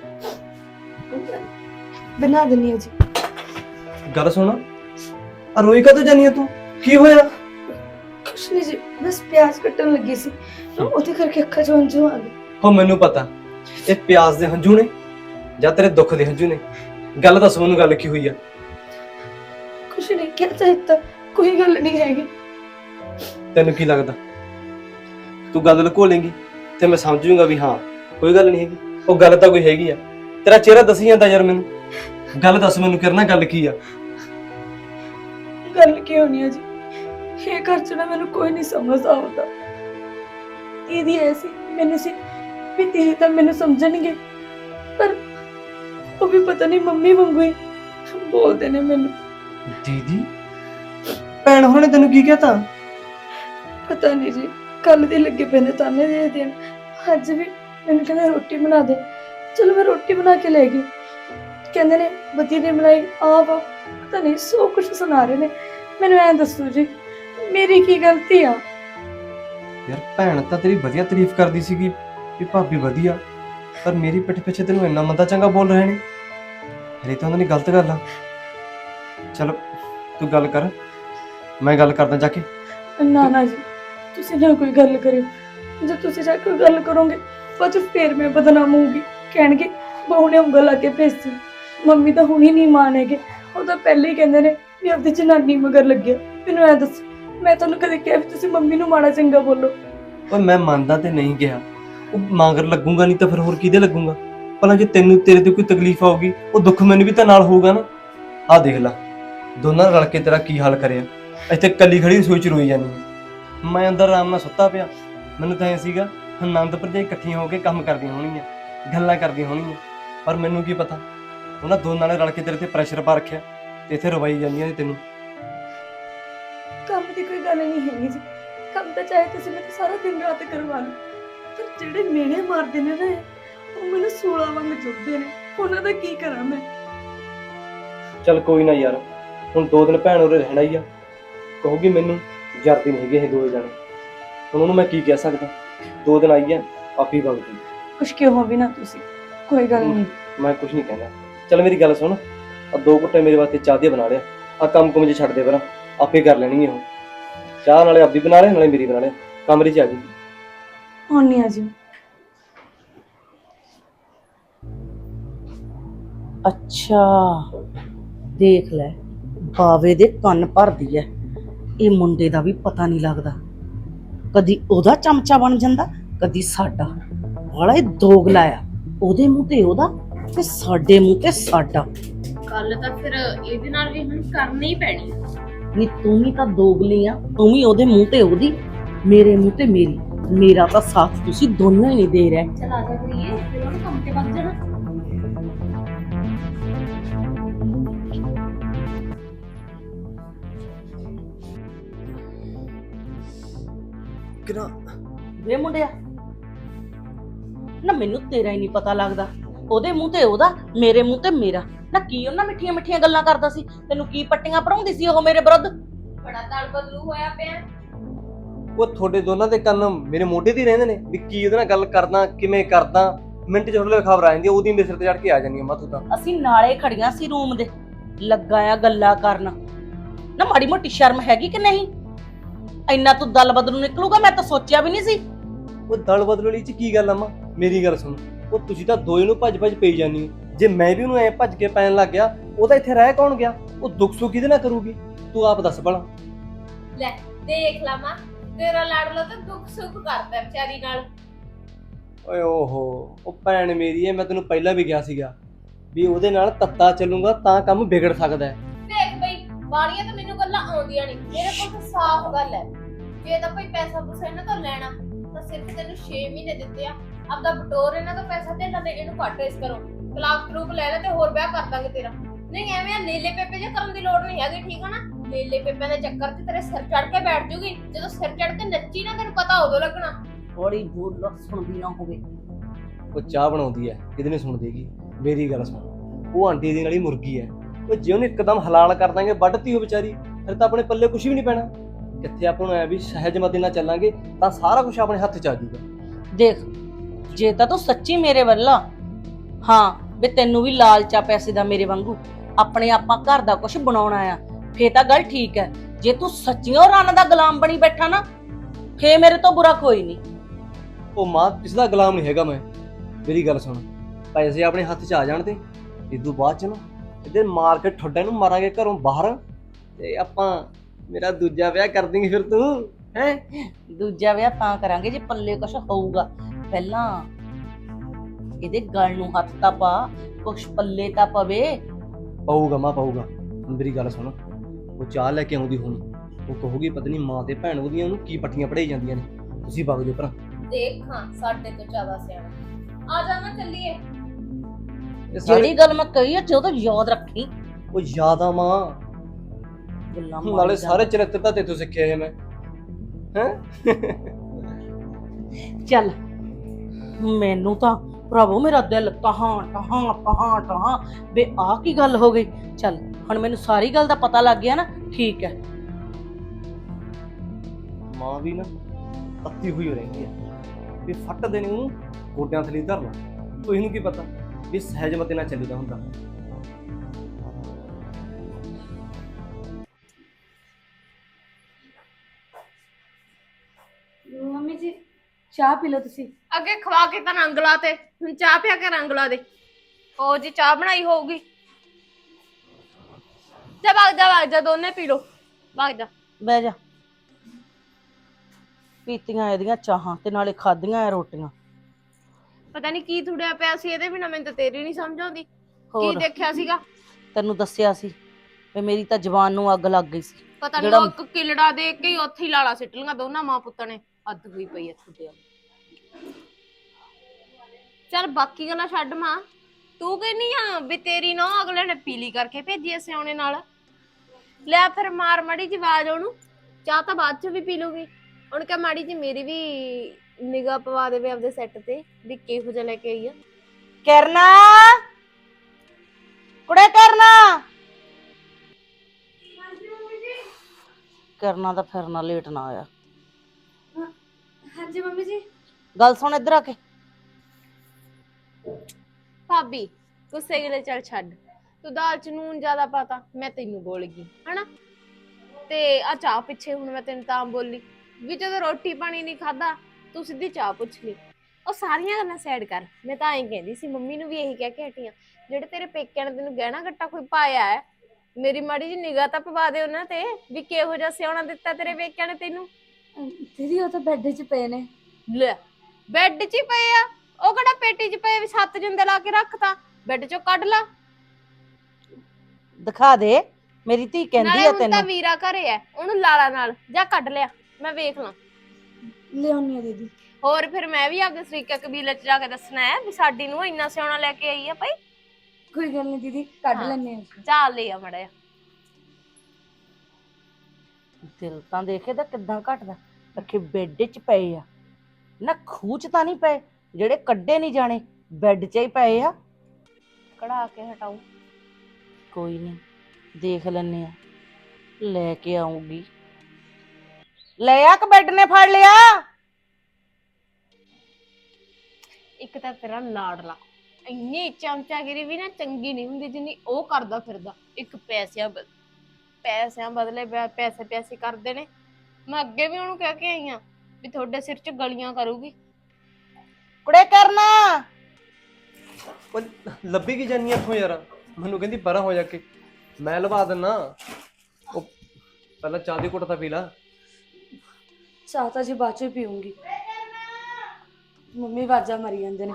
ਬਣਾ ਦਿੰਨੀ ਆ ਜੀ।
ਗੱਲ ਸੁਣ, ਆ ਰੋਈ ਕਾ ਤੂੰ ਜਾਨੀ ਆ ਤੂੰ? ਕੀ ਹੋਇਆ?
ਕੁਛ ਨਹੀਂ ਜੀ, ਬਸ ਪਿਆਜ਼ ਕੱਟਣ ਲੱਗੀ ਸੀ, ਉਹਦੇ ਕਰਕੇ ਅੱਖਾਂ ਚੋਂ ਹੰਝੂ ਆ ਗਏ।
ਹੋ ਮੈਨੂੰ ਪਤਾ ਇਹ ਪਿਆਸ ਦੇ ਹੰਝੂ ਨੇ ਜਾਂ ਤੇਰੇ ਦੁੱਖ ਦੇ ਹੰਝੂ ਨੇ। ਗੱਲ ਦੱਸ ਮੈਨੂੰ, ਗੱਲ ਕੀ ਹੋਈ ਆ?
ਕੁਛ ਨਹੀਂ ਕਿਹਾ ਚਾਹਤਾ, ਕੋਈ ਗੱਲ ਨਹੀਂ ਹੈਗੀ।
ਤੈਨੂੰ ਕੀ ਲੱਗਦਾ ਤੂੰ ਗੱਲ ਲੁਕੋ ਲੇਂਗੀ ਤੇ ਮੈਂ ਸਮਝ ਜੂੰਗਾ ਵੀ ਹਾਂ ਕੋਈ ਗੱਲ ਨਹੀਂ ਹੈਗੀ? ਉਹ ਗੱਲ ਤਾਂ ਕੋਈ ਹੈਗੀ ਆ। ਤੇਰਾ ਚਿਹਰਾ ਦੱਸੀ ਜਾਂਦਾ ਯਾਰ ਮੈਨੂੰ। ਗੱਲ ਦੱਸ ਮੈਨੂੰ ਕਿਰਨਾ, ਗੱਲ ਕੀ ਆ?
ਗੱਲ ਕੀ ਹੋਣੀ ਆ ਜੀ, ਇਹ ਘਰ ਚ ਨਾ ਮੈਨੂੰ ਕੋਈ ਨਹੀਂ ਸਮਝਦਾ ਹੁੰਦਾ। ਦੀਦੀ ਐਸੀ ਮੈਨੂੰ ਸੀ ਵੀ ਦੀਦੀ ਤਾਂ ਮੈਨੂੰ ਸਮਝਣਗੇ, ਪਰ ਉਹ ਵੀ ਪਤਾ ਨਹੀਂ ਮੰਮੀ ਵਾਂਗੂ ਹੀ ਬੋਲਦੇ ਨੇ ਮੈਨੂੰ।
ਦੀਦੀ ਭੈਣ ਹੋਰਾਂ ਨੇ ਤੈਨੂੰ ਕੀ ਕਹਿਤਾ?
ਪਤਾ ਨਹੀਂ ਜੀ, ਕੱਲ ਦੇ ਲੱਗੇ ਪਏ ਨੇ ਤਾਨੇ ਦੇ ਦੇਣ। ਅੱਜ ਵੀ ਮੈਨੂੰ ਕਹਿੰਦੇ ਰੋਟੀ ਬਣਾ ਦੇ, ਚਲੋ ਮੈਂ ਰੋਟੀ ਬਣਾ ਕੇ ਲੈ ਗਈ। ਕਹਿੰਦੇ ਨੇ ਬਤੀ ਨੇ ਬਣਾਈ ਆ ਵਾ, ਪਤਾ ਨਹੀਂ ਸੋ ਕੁਛ ਸੁਣਾ ਰਹੇ ਨੇ। ਮੈਨੂੰ ਐਂ ਦੱਸੋ ਜੀ, ਮੇਰੀ ਕੀ ਗਲਤੀ ਆ?
ਯਾਰ ਭੈਣ ਤਾਂ ਤੇਰੀ ਵਧੀਆ ਤਾਰੀਫ ਕਰਦੀ ਸੀਗੀ ਵੀ ਭਾਬੀ ਵਧੀਆ, ਪਰ ਮੇਰੀ ਪਿੱਠ ਪਿੱਛੇ ਤੈਨੂੰ ਇੰਨਾ ਮੰਦਾ ਚੰਗਾ ਬੋਲ ਰਹੇ ਨੇ। ਇਹ ਤਾਂ ਉਹਨਾਂ ਦੀ ਗਲਤ ਗੱਲ ਆ। ਚਲ ਤੂੰ ਗੱਲ ਕਰ, ਮੈਂ ਗੱਲ ਕਰਦਾ ਜਾ ਕੇ।
ਨਾ ਨਾ ਜੀ, ਤੁਸੀਂ ਨਾ ਕੋਈ ਗੱਲ ਕਰਿਓ। ਜੇ ਤੁਸੀਂ ਜਾ ਕੇ ਗੱਲ ਕਰੋਗੇ ਬਾਅਦ ਫੇਰ ਮੈਂ ਬਦਨਾਮ ਹੋਊਗੀ। ਕਹਿਣਗੇ ਬਹੂ ਨੇ ਉਂਗਲ ਲਾ ਕੇ ਭੇਜੀ। ਮੰਮੀ ਤਾਂ ਹੁਣ ਹੀ ਨਹੀਂ ਮਾਨੇਗੇ, ਉਹ ਤਾਂ ਪਹਿਲੇ ਹੀ ਕਹਿੰਦੇ ਨੇ ਵੀ ਆਪਦੀ ਜਨਾਨੀ ਮਗਰ ਲੱਗਿਆ। ਮੈਨੂੰ ਐ ਦੱਸ, ਮੈਂ ਤੁਹਾਨੂੰ ਕਦੇ ਕਿਹਾ ਵੀ ਤੁਸੀਂ ਮੰਮੀ ਨੂੰ ਮਾੜਾ ਚੰਗਾ ਬੋਲੋ?
ਓਏ ਮੈਂ ਮੰਨਦਾ ਤੇ ਨਹੀਂ ਕਿਹਾ, ਉਹ ਮਗਰ ਲੱਗੂਗਾ ਨਹੀਂ ਤਾਂ ਫਿਰ ਹੋਰ ਕਿਹਦੇ ਲੱਗੂਗਾ? ਭਲਾ ਜੇ ਤੈਨੂੰ ਤੇਰੇ ਤੇ ਕੋਈ ਤਕਲੀਫ ਆਊਗੀ ਉਹ ਦੁੱਖ ਮੈਨੂੰ ਵੀ ਤਾਂ ਨਾਲ ਹੋਊਗਾ ਨਾ। ਆਹ ਦੇਖ ਲੈ ਦੋਨਾਂ ਰਲ ਕੇ ਤੇਰਾ ਕੀ ਹਾਲ ਕਰਿਆ। ਇੱਥੇ ਕੱਲੀ ਖੜੀ ਰਸੋਈ ਚ ਰੋਈ ਜਾਂਦੀ ਹੈ, ਮੈਂ ਅੰਦਰ ਆਰਾਮ ਨਾਲ ਸੁੱਤਾ ਪਿਆ। ਮੈਨੂੰ ਤਾਂ ਐ ਸੀਗਾ ਆਨੰਦ ਭਰਜਾਈ ਇਕੱਠੀਆਂ ਹੋ ਕੇ ਕੰਮ ਕਰਦੀਆਂ ਹੋਣਗੀਆਂ, ਗੱਲਾਂ ਕਰਦੀਆਂ ਹੋਣਗੀਆਂ, ਪਰ ਮੈਨੂੰ ਕੀ ਪਤਾ ਉਹਨਾਂ ਦੋਨਾਂ ਨੇ ਰਲ ਕੇ ਤੇਰੇ ਤੇ ਪ੍ਰੈਸ਼ਰ ਪਾ ਰੱਖਿਆ ਤੇ ਇੱਥੇ ਰਵਾਈ ਜਾਂਦੀਆਂ ਨੇ ਤੈਨੂੰ।
ਕੰਮ ਦੀ ਕੋਈ ਗੱਲ ਨਹੀਂ ਹੈਗੀ ਜੀ, ਕੰਮ ਤਾਂ ਚਾਹੇ ਤੁਸੀਂ ਮੈਨੂੰ ਸਾਰਾ ਦਿਨ ਰਾਤ ਕਰਵਾ ਲਓ, ਪਰ ਜਿਹੜੇ ਮੇਨੇ ਮਾਰਦੇ ਨੇ ਨਾ ਉਹ ਮੈਨੂੰ ਸੂਲਾਂ ਵਾਂਗ ਚੁੱਭਦੇ ਨੇ। ਉਹਨਾਂ ਦਾ ਕੀ ਕਰਾਂ ਮੈਂ?
ਚੱਲ ਕੋਈ ਨਾ ਯਾਰ, ਹੁਣ ਦੋ ਦਿਨ ਭੈਣ ਉਰੇ ਰਹਿਣਾ ਹੀ ਆ। ਕਹੂਗੀ ਮੈਨੂੰ ਜਰਦੀ ਨਹੀਂ ਹੈਗੇ ਇਹ ਦੋਵੇਂ ਜਾਣੇ, ਹੁਣ ਉਹਨੂੰ ਮੈਂ ਕੀ ਕਹਿ ਸਕਦਾ? ਦੋ ਦਿਨ ਆਈ ਆ, ਆਪੀ ਬਣ ਗਈ।
ਕੁਛ ਕਿਉਂ ਵੀ ਨਾ ਤੁਸੀਂ, ਕੋਈ ਗੱਲ ਨਹੀਂ।
ਮੈਂ ਕੁਝ ਨਹੀਂ ਕਹਿੰਦਾ। ਚੱਲ ਮੇਰੀ ਗੱਲ ਸੁਣ, ਆ ਦੋ ਘੁੱਟੇ ਮੇਰੇ ਵਾਸਤੇ ਚਾਹ ਦੇ ਬਣਾ ਲਿਆ। ਆ ਕੰਮ ਕੁਮ ਜੇ ਛੱਡ ਦੇ ਪਰਾਂ, ਆਪੇ ਕਰ ਲੈਣੀ ਉਹ ਚਾਹ। ਨਾਲੇ ਆਪਦੀ ਬਣਾ ਲਿਆ ਨਾਲੇ ਮੇਰੀ ਬਣਾ ਲਿਆ, ਕਮਰੇ 'ਚ ਆ ਗਈ।
ਆਉਣੀ ਆ ਜੀ।
ਅੱਛਾ ਦੇਖ ਲੈ, ਬਾਵੇ ਦੇ ਕੰਨ ਭਰਦੀ ਐ। ਇਹ ਮੁੰਡੇ ਦਾ ਵੀ ਪਤਾ ਨਹੀਂ ਲੱਗਦਾ, ਕਦੀ ਉਹਦਾ ਚਮਚਾ ਬਣ ਜਾਂਦਾ ਕਦੀ ਸਾਡਾ। ਵਾਲਾ ਇਹ ਦੋਗਲਾ ਆ, ਉਹਦੇ ਮੂੰਹ ਤੇ ਉਹਦਾ ਤੇ ਸਾਡੇ ਮੂੰਹ ਤੇ ਸਾਡਾ।
ਗੱਲ ਤਾਂ ਫਿਰ ਇਹਦੇ ਨਾਲ ਵੀ ਹੁਣ ਕਰਨੀ ਹੀ ਪੈਣੀ।
ਨੀ ਤੂੰ ਵੀ ਤਾਂ ਦੋਗਲੀ ਆ, ਤੂੰ ਵੀ ਉਹਦੇ ਮੂੰਹ ਤੇ ਉਹਦੀ, ਮੇਰੇ ਮੂੰਹ ਤੇ ਮੇਰੀ। ਮੇਰਾ ਤਾਂ ਸਾਥ ਤੁਸੀਂ ਦੋਨੋਂ ਹੀ ਨਹੀਂ ਦੇ ਰਹੇ।
ਚਲ ਆ ਜਾ ਕਰੀਏ, ਫਿਰ ਉਹਨੂੰ ਕੰਮ ਤੇ ਵੱਜ ਜਾਣਾ।
ਕਿਰਾ
ਵੇ ਮੁੰਡਿਆ, ਨਾ ਮੈਨੂੰ ਤੇਰਾ ਹੀ ਨਹੀਂ ਪਤਾ ਲੱਗਦਾ। ਉਹਦੇ ਮੂੰਹ ਤੇ ਉਹਦਾ, ਮੇਰੇ ਮੂੰਹ ਤੇ ਮੇਰਾ। ਨਾ ਕੀ ਉਹਨਾਂ ਮਿੱਠੀਆਂ ਮਿੱਠੀਆਂ ਗੱਲਾਂ ਕਰਦਾ ਸੀ? ਤੈਨੂੰ ਕੀ ਪੱਟੀਆਂ ਪੜਾਉਂਦੀ ਸੀ ਉਹ ਮੇਰੇ ਵਿਰੁੱਧ?
ਬੜਾ ਦਲ ਬਦਲੂ ਹੋਇਆ ਪਿਆ।
ਉਹ ਤੁਹਾਡੇ ਦੋਨਾਂ ਦੇ ਕੰਨ ਮੇਰੇ ਮੋਢੇ ਤੇ ਹੀ ਰਹਿੰਦੇ ਨੇ ਵੀ ਕੀ ਉਹਦੇ ਨਾਲ ਗੱਲ ਕਰਦਾ, ਕਿਵੇਂ ਕਰਦਾ। ਮਿੰਟ 'ਚ ਉਹਲੇ ਖਬਰ ਆ ਜਾਂਦੀ, ਉਹਦੀ ਮੇਰੇ ਸਿਰ ਤੇ ਚੜ ਕੇ ਆ ਜਾਂਦੀ ਆ ਮਾਥੂ ਤਾਂ।
ਅਸੀਂ ਨਾਲੇ ਖੜੀਆਂ ਸੀ ਰੂਮ ਦੇ, ਲੱਗਾ ਆ ਗੱਲਾਂ ਕਰਨ। ਨਾ ਮਾੜੀ ਮੋਟੀ ਸ਼ਰਮ ਹੈਗੀ ਕਿ ਨਹੀਂ? ਇੰਨਾ ਤੂੰ ਦਲ ਬਦਲੂ ਨਿਕਲੂਗਾ, ਮੈਂ ਤਾਂ ਸੋਚਿਆ ਵੀ ਨਹੀਂ ਸੀ।
ਉਹ ਦਲ ਬਦਲ ਵਾਲੀ 'ਚ ਕੀ ਗੱਲ ਆ ਮਾਂ? ਮੇਰੀ ਗੱਲ ਸੁਣ, ਉਹ ਤੁਸੀਂ ਤਾਂ ਦੋਏ ਨੂੰ ਭੱਜ ਭੱਜ ਪਈ ਜਾਂਦੀ ਹੋ। ਜੇ ਮੈਂ ਵੀ ਉਹਨੂੰ ਐ ਭੱਜ ਕੇ ਪੈਣ ਲੱਗ ਗਿਆ, ਉਹਦਾ ਇੱਥੇ ਰਹਿ ਕੌਣ ਗਿਆ? ਉਹ ਦੁੱਖ ਸੁੱਖ ਕਿਹਦੇ ਨਾਲ ਕਰੂਗੀ? ਤੂੰ ਆਪ ਦੱਸ ਭਲਾ।
ਲੈ ਦੇਖ ਲਾ ਮਾਂ, ਤੇਰਾ ਲਾਡਲਾ ਤਾਂ ਦੁੱਖ ਸੁੱਖ ਕਰਦਾ ਵਿਚਾਰੀ ਨਾਲ।
ਓਏ ਓਹੋ, ਉਹ ਭੈਣ ਮੇਰੀ ਐ, ਮੈਂ ਤੈਨੂੰ ਪਹਿਲਾਂ ਵੀ ਕਿਹਾ ਸੀਗਾ ਵੀ ਉਹਦੇ ਨਾਲ ਤੱਤਾ ਚੱਲੂਗਾ ਤਾਂ ਕੰਮ ਵਿਗੜ ਸਕਦਾ ਹੈ।
ਦੇਖ ਬਈ, ਬਾਣੀਆਂ ਤਾਂ ਮੈਨੂੰ ਗੱਲਾਂ ਆਉਂਦੀਆਂ ਨਹੀਂ, ਮੇਰੇ ਕੋਲ ਤਾਂ ਸਾਫ਼ ਗੱਲ ਹੈ। ਜੇ ਤਾਂ ਕੋਈ ਪੈਸਾ ਪੂਸਾ ਇਹਨਾਂ ਤੋਂ ਲੈਣਾ ਤਾਂ ਸਿਰਫ ਤੈਨੂੰ ਛੇ ਮਹੀਨੇ ਦਿੱਤੇ ਆ, ਆਪਦਾ ਬਟੋਰ ਇਹਨਾਂ ਤੋਂ ਪੈਸਾ ਤੇ ਇਹਨਾਂ ਦੇ ਇਹਨੂੰ ਘੱਟ ਇਸ ਕਰੋ, ਤਲਾਕ ਤਰੂਕ ਲੈ ਲੈ ਤੇ ਹੋਰ ਵਿਆਹ ਕਰ ਦਾਂਗੇ ਤੇਰਾ। ਨਹੀਂ ਐਵੇਂ ਲੇਲੇ ਪੇਪੇ ਜੇ ਕਰਨ ਦੀ ਲੋੜ ਨਹੀਂ ਹੈਗੀ, ਠੀਕ ਆ ਨਾ। ਲੇਲੇ ਪੇਪੇ ਦੇ ਚੱਕਰ 'ਚ ਤੇਰੇ ਸਿਰ ਚੜ ਕੇ ਬੈਠ ਜੂਗੀ, ਜਦੋਂ ਸਿਰ ਚੜ ਕੇ ਨੱਚੀ ਨਾ ਤੈਨੂੰ ਪਤਾ ਉਦੋਂ ਲੱਗਣਾ।
ਹੌਲੀ ਬੋਲ, ਸੁਣਦੀ ਨਾ ਹੋਵੇ।
ਉਹ ਚਾਹ ਬਣਾਉਂਦੀ ਹੈ, ਕਿਤੇ ਨਹੀਂ ਸੁਣਦੀਗੀ। ਮੇਰੀ ਗੱਲ ਸੁਣ, ਉਹ ਆਂਟੀ ਦੀ ਵਾਲੀ ਮੁਰਗੀ ਹੈ, ਉਹ ਜੇ ਉਹਨੂੰ ਇੱਕਦਮ ਹਲਾਲ ਕਰ ਦਾਂਗੇ, ਵੱਢਤੀ ਉਹ ਵਿਚਾਰੀ, ਫਿਰ ਤਾਂ ਆਪਣੇ ਪੱਲੇ ਕੁਝ ਵੀ ਨਹੀਂ ਪੈਣਾ। ਕਿੱਥੇ ਆਪਾਂ ਨੂੰ ਐ ਵੀ ਸਹਿਜਮਤੀ ਨਾਲ ਚੱਲਾਂਗੇ ਤਾਂ ਸਾਰਾ ਕੁਝ ਆਪਣੇ ਹੱਥ 'ਚ ਆ ਜਾਊਗਾ।
ਦੇਖ, ਜੇ ਤਾਂ ਤੂੰ ਸੱਚੀ ਮੇਰੇ ਵੱਲਾ ਹਾਂ ਵੀ ਤੈਨੂੰ ਵੀ ਲਾਲਚਾ ਪੈਸੇ ਦਾ ਮੇਰੇ ਵਾਂਗੂ, ਆਪਣੇ ਆਪਾਂ ਘਰ ਦਾ ਕੁਝ ਬਣਾਉਣਾ ਆ, ਫੇਰ ਤਾਂ ਗੱਲ ਠੀਕ ਹੈ। ਜੇ ਤੂੰ ਸੱਚੀਓ ਰਨ ਦਾ ਗੁਲਾਮ ਬਣੀ ਬੈਠਾ ਨਾ, ਫੇਰ ਮੇਰੇ ਤੋਂ ਬੁਰਾ ਕੋਈ ਨਹੀਂ।
ਉਹ ਮਾਂ, ਕਿਸੇ ਦਾ ਗੁਲਾਮ ਨਹੀਂ ਹੈਗਾ ਮੈਂ। ਮੇਰੀ ਗੱਲ ਸੁਣ, ਪੈਸੇ ਆਪਣੇ ਹੱਥ 'ਚ ਆ ਜਾਣ ਤੇ ਇਦੋਂ ਬਾਅਦ 'ਚ ਨਾ ਇਹਦੇ ਮਾਰ ਕੇ ਠੋਡੇ ਨੂੰ ਮਾਰਾਂਗੇ ਘਰੋਂ ਬਾਹਰ, ਤੇ ਆਪਾਂ ਮੇਰਾ ਦੂਜਾ ਵਿਆਹ ਕਰ ਦੇਂਗੀ ਫਿਰ ਤੂੰ ਹੈ।
ਦੂਜਾ ਵਿਆਹ ਤਾਂ ਕਰਾਂਗੇ ਜੇ ਪੱਲੇ ਕੁਛ ਹੋਊਗਾ। ਪਹਿਲਾਂ ਇਹਦੇ ਗਲ ਨੂੰ ਹੱਥ ਤਾਂ ਪਾ, ਕੁਛ ਪੱਲੇ ਤਾਂ ਪਵੇ।
ਪਊਗਾ ਮਾਂ, ਪਊਗਾ। ਹੁਣ ਮੇਰੀ ਗੱਲ ਸੁਣ, ਉਹ ਚਾਹ ਲੈ ਕੇ ਆਉਂਦੀ ਹੁਣ, ਉਹ ਕਹੂਗੀ ਪਤਾ ਨਹੀਂ ਮਾਂ ਤੇ ਭੈਣ ਉਹਦੀਆਂ ਉਹਨੂੰ ਕੀ ਪੱਟੀਆਂ ਪੜਾਈ ਜਾਂਦੀਆਂ ਨੇ। ਤੁਸੀਂ ਵਗ ਜਾਓ ਭਰਾ।
ਦੇਖ ਹਾਂ, ਸਾਡੇ ਤੋਂ ਜ਼ਿਆਦਾ ਸਿਆਣਾ। ਆ ਜਾ ਨਾ ਚੱਲੀਏ।
ਇਹ ਸਾਰੇ
ਜਿਹੜੀ ਗੱਲ ਮੈਂ ਕਹੀ ਆ ਜੋ ਤਾਂ ਯਾਦ ਰੱਖੀ।
ਉਹ ਯਾਦਾਂ ਮਾਂ,
ਗੱਲਾਂ
ਨਾਲੇ
ਮਾਰੀ
ਸਾਰੇ ਚਰਿੱਤਰ ਤਾਂ ਤੇਤੋਂ ਸਿੱਖੇ ਇਹ ਮੈਂ ਹੈ।
ਚੱਲ, ਮੈਨੂੰ ਤਾਂ ਭਰਾਵੋ ਮੇਰਾ ਦਿਲ ਤਹਾਂ ਤਹਾਂ ਤਹਾਂ ਤਹਾਂ ਬੇ ਆ ਕੀ ਗੱਲ ਹੋ ਗਈ। ਚੱਲ ਹੁਣ ਮੈਨੂੰ ਸਾਰੀ ਗੱਲ ਦਾ ਪਤਾ ਲੱਗ ਗਿਆ ਨਾ, ਠੀਕ ਹੈ।
ਮਾਂ ਵੀ ਨਾ ਤੱਤੀ ਹੋਈ ਰਹਿੰਦੀ ਹੈ ਵੀ ਫੱਟ ਦੇ ਨੇ ਉਹਨੂੰ ਗੋਡਿਆਂ ਥੱਲੇ ਧਰ ਲਾ। ਤੂੰ ਇਹਨੂੰ ਕੀ ਪਤਾ ਵੀ ਸਹਿਜਮਤੀ ਨਾਲ ਚੱਲੀਦਾ ਹੁੰਦਾ।
ਮੰਮੀ ਜੀ ਚਾਹ ਪੀ ਲਓ ਤੁਸੀਂ।
ਅੱਗੇ ਖਵਾ ਕੇ ਤਾਂ ਰੰਗ ਲਾ ਤੇ, ਹੁਣ ਚਾਹ ਪਿਆ ਕੇ ਰੰਗ ਲਾ ਦੇ। ਉਹ ਜੀ ਚਾਹ ਬਣਾਈ ਹੋਊਗੀ। ਜਾ ਵਗ ਜਾ ਵਗ ਜਾ, ਦੋਨੇ ਪੀ ਲੋ, ਵਗ ਜਾ।
ਬਹਿ ਜਾ। ਪੀਤੀਆਂ ਇਹਦੀਆਂ ਚਾਹਾਂ ਤੇ ਨਾਲੇ ਖਾਧੀਆਂ ਇਹ ਰੋਟੀਆਂ।
ਪਤਾ ਨਹੀਂ ਕੀ ਥੁੜਿਆ ਪਿਆ ਸੀ ਇਹਦੇ ਬਿਨਾਂ, ਮੈਨੂੰ ਤਾਂ ਤੇਰੀ ਨਹੀਂ ਸਮਝ ਆਉਂਦੀ। ਕੀ
ਹੋਰ
ਦੇਖਿਆ ਸੀਗਾ?
ਤੈਨੂੰ ਦੱਸਿਆ ਸੀ ਵੀ ਮੇਰੀ ਤਾਂ ਜ਼ਬਾਨ ਨੂੰ ਅੱਗ ਲੱਗ ਗਈ ਸੀ।
ਪਤਾ ਨਹੀਂ
ਜਿਹੜਾ-
ਉਹ ਇੱਕ ਕਿਲੜਾ ਦੇਖ ਕੇ ਹੀ ਉੱਥੇ ਹੀ ਲਾਲਾ ਸਿੱਟ ਲੀਆਂ ਦੋਨਾਂ ਮਾਂ ਪੁੱਤਾਂ ਨੇ। ਅੱਧ ਹੋਈ ਪਈ ਐ ਥੁੱਡਿਆ। ਚੱਲ ਬਾਕੀ ਗੱਲਾਂ ਛੱਡ ਮਾਂ, ਤੂੰ ਕਹਿੰਦੀ ਆ ਵੀ ਤੇਰੀ ਨੌ ਅਗਲੇ ਨੇ ਪੀਲੀ ਕਰਕੇ ਭੇਜੀ ਐ ਸਿਆਉਣੇ ਨਾਲ। ਲੈ ਫਿਰ ਮਾਰ ਮਾੜੀ ਜੀ ਆਵਾਜ਼ ਉਹਨੂੰ, ਚਾਹ ਤਾਂ ਬਾਅਦ ਚ ਵੀ ਪੀ ਲੂਗੀ। ਉਹਨੇ ਕਿਹਾ ਮਾੜੀ ਜੀ ਮੇਰੀ ਵੀ ਨਿਗਾਹ ਪਵਾ ਦੇਵੇ ਆਪਦੇ ਸੈੱਟ ਤੇ ਵੀ ਕਿਹੋ ਜਿਹਾ ਲੈ ਕੇ ਆਈ ਆ।
ਕਰਨਾ ਕੁੜੇ ਕਰਨਾ ਕਰਨਾ ਤਾਂ ਫਿਰਨਾ ਲੇਟ ਨਾ ਆਇਆ।
ਹਾਂਜੀ ਮੰਮੀ ਜੀ।
ਗੱਲ ਸੁਣ ਇੱਧਰ ਆ ਕੇ।
ਭਾਬੀ ਗੁੱਸੇ ਗਿਲੇ ਚੱਲ ਛੱਡ, ਤੂੰ ਦਾਲ ਚ ਨੂਨ ਜ਼ਿਆਦਾ ਪਾਤਾ, ਮੈਂ ਤੈਨੂੰ ਬੋਲ ਗਈ ਹਨਾ। ਤੇ ਆ ਚਾਹ ਪਿੱਛੇ ਹੁਣ ਮੈਂ ਤੈਨੂੰ ਤਾਂ ਬੋਲੀ ਵੀ ਜਦੋਂ ਰੋਟੀ ਪਾਣੀ ਨਹੀਂ ਖਾਦਾ ਤੂੰ ਸਿੱਧੀ ਚਾਹ ਪੁੱਛ ਲਈ। ਉਹ ਸਾਰੀਆਂ ਗੱਲਾਂ ਸਾਈਡ ਕਰ। ਮੈਂ ਤਾਂ ਐਂ ਕਹਿੰਦੀ ਸੀ, ਮੰਮੀ ਨੂੰ ਵੀ ਇਹੀ ਕਹਿ ਕੇ ਹਟੀ ਆਂ, ਜਿਹੜੇ ਤੇਰੇ ਪੇਕਿਆਂ ਨੇ ਤੈਨੂੰ ਗਹਿਣਾ ਗੱਟਾ ਕੋਈ ਪਾਇਆ ਹੈ, ਮੇਰੀ ਮਾੜੀ ਜੀ ਨਿਗਾਹ ਤਾਂ ਪਵਾ ਦੇ ਉਹਨਾਂ ਤੇ ਵੀ ਕਿਹੋ ਜਿਹਾ ਸਿਆਉਣਾ ਦਿੱਤਾ ਤੇਰੇ ਪੇਕਿਆਂ ਨੇ ਤੈਨੂੰ।
ਦੀਦੀ ਉਹ ਤਾਂ ਬੈੱਡ 'ਚ ਪਏ ਨੇ।
ਲੈ ਬੈੱਡ 'ਚ ਹੀ ਪਏ ਆ? ਉਹ ਕਿਹੜਾ ਪੇਟੀ 'ਚ ਪਏ ਵੀ ਸੱਤ ਜਿੰਦੇ ਲਾ ਕੇ ਰੱਖਤਾ? ਬੈੱਡ 'ਚੋਂ ਕੱਢ ਲਾ।
ਦਿਖਾ ਦੇ, ਮੇਰੀ ਧੀ ਕਹਿੰਦੀ
ਨਾਲੇ
ਆ
ਹੁਣ ਤਾਂ
ਤੈਨੂੰ।
ਵੀਰਾ ਘਰੇ ਐ, ਉਹਨੂੰ ਲਾਲਾ ਨਾਲ ਜਾ ਕੱਢ ਲਿਆ, ਮੈਂ ਵੇਖ ਲਾਂ।
ਲਿਆਉਣੀ ਆ ਦੀਦੀ।
ਹੋਰ ਫਿਰ ਮੈਂ ਵੀ ਅੱਗੇ ਸਰੀਕਾ ਕਬੀਲੇ 'ਚ ਜਾ ਕੇ ਦੱਸਣਾ ਹੈ ਵੀ ਸਾਡੀ ਨੂੰ ਇੰਨਾ ਸਿਆਉਣਾ ਲੈ ਕੇ ਆਈ ਆ ਭਾਈ।
ਕੋਈ ਗੱਲ ਨਹੀਂ ਦੀਦੀ, ਕੱਢ
ਹਾਂ।
ਲੈਣੇ ਆ।
ਜਾ ਲੈ ਆ ਮੜਿਆ।
ਦਿਲ ਤਾਂ ਦੇਖੇ ਤਾਂ ਕਿੱਦਾਂ ਘਟਦਾ। ਅੱਖੇ ਬੈੱਡ 'ਚ ਪਏ ਆ ਨਾ, ਖੂਹ 'ਚ ਤਾਂ ਨਹੀਂ ਪਏ ਜਿਹੜੇ ਕੱਢੇ ਨਹੀਂ ਜਾਣੇ, ਬੈੱਡ 'ਚ ਹੀ ਪਏ ਆ।
ਕਢਾ ਕੇ ਹਟਾਉ।
ਕੋਈ ਨਹੀਂ, ਦੇਖ ਲੈਨੇ ਆ, ਲੈ ਕੇ ਆਉਂਗੀ। ਲੈ ਆ ਕਿ ਬੈੱਡ ਨੇ ਫੜ ਲਿਆ?
ਇੱਕ ਤਾਂ ਤੇਰਾ ਲਾਡਲਾ ਇੰਨੀ ਚਮਚਾਗਿਰੀ ਵੀ ਨਾ ਚੰਗੀ ਨਹੀਂ ਹੁੰਦੀ ਜਿੰਨੀ ਉਹ ਕਰਦਾ ਫਿਰਦਾ। ਇੱਕ ਪੈਸਿਆਂ ਬ- ਪੈਸਿਆਂ ਬਦਲੇ ਪੈ- ਪੈਸੇ ਪੈਸੇ ਕਰਦੇ ਨੇ। ਮੈਂ ਅੱਗੇ ਵੀ ਉਹਨੂੰ ਕਹਿ ਕੇ ਆਈ ਆ ਵੀ ਤੁਹਾਡੇ ਸਿਰ 'ਚ ਗਲੀਆਂ ਕਰੂਗੀ।
ਕੁੜੇ ਕਰਨਾ
ਉਹ ਲੱਭੀ ਕੀ ਜਾਨੀ ਇੱਥੋਂ ਯਾਰ? ਮੈਨੂੰ ਕਹਿੰਦੀ ਪਰਾਂ ਹੋ ਜਾ ਕੇ, ਮੈਂ ਲਵਾ ਦਿੰਨਾ। ਉਹ ਪਹਿਲਾਂ ਚਾਹ ਦੀ ਘੁੱਟ ਤਾਂ ਪੀ ਲਾ।
ਚਾਹ ਤਾਂ ਜੀ ਬਾਅਦ 'ਚ ਹੀ ਪੀਊਂਗੀ। ਮੰਮੀ ਵਾਜਾ ਮਰੀ ਜਾਂਦੇ ਨੇ।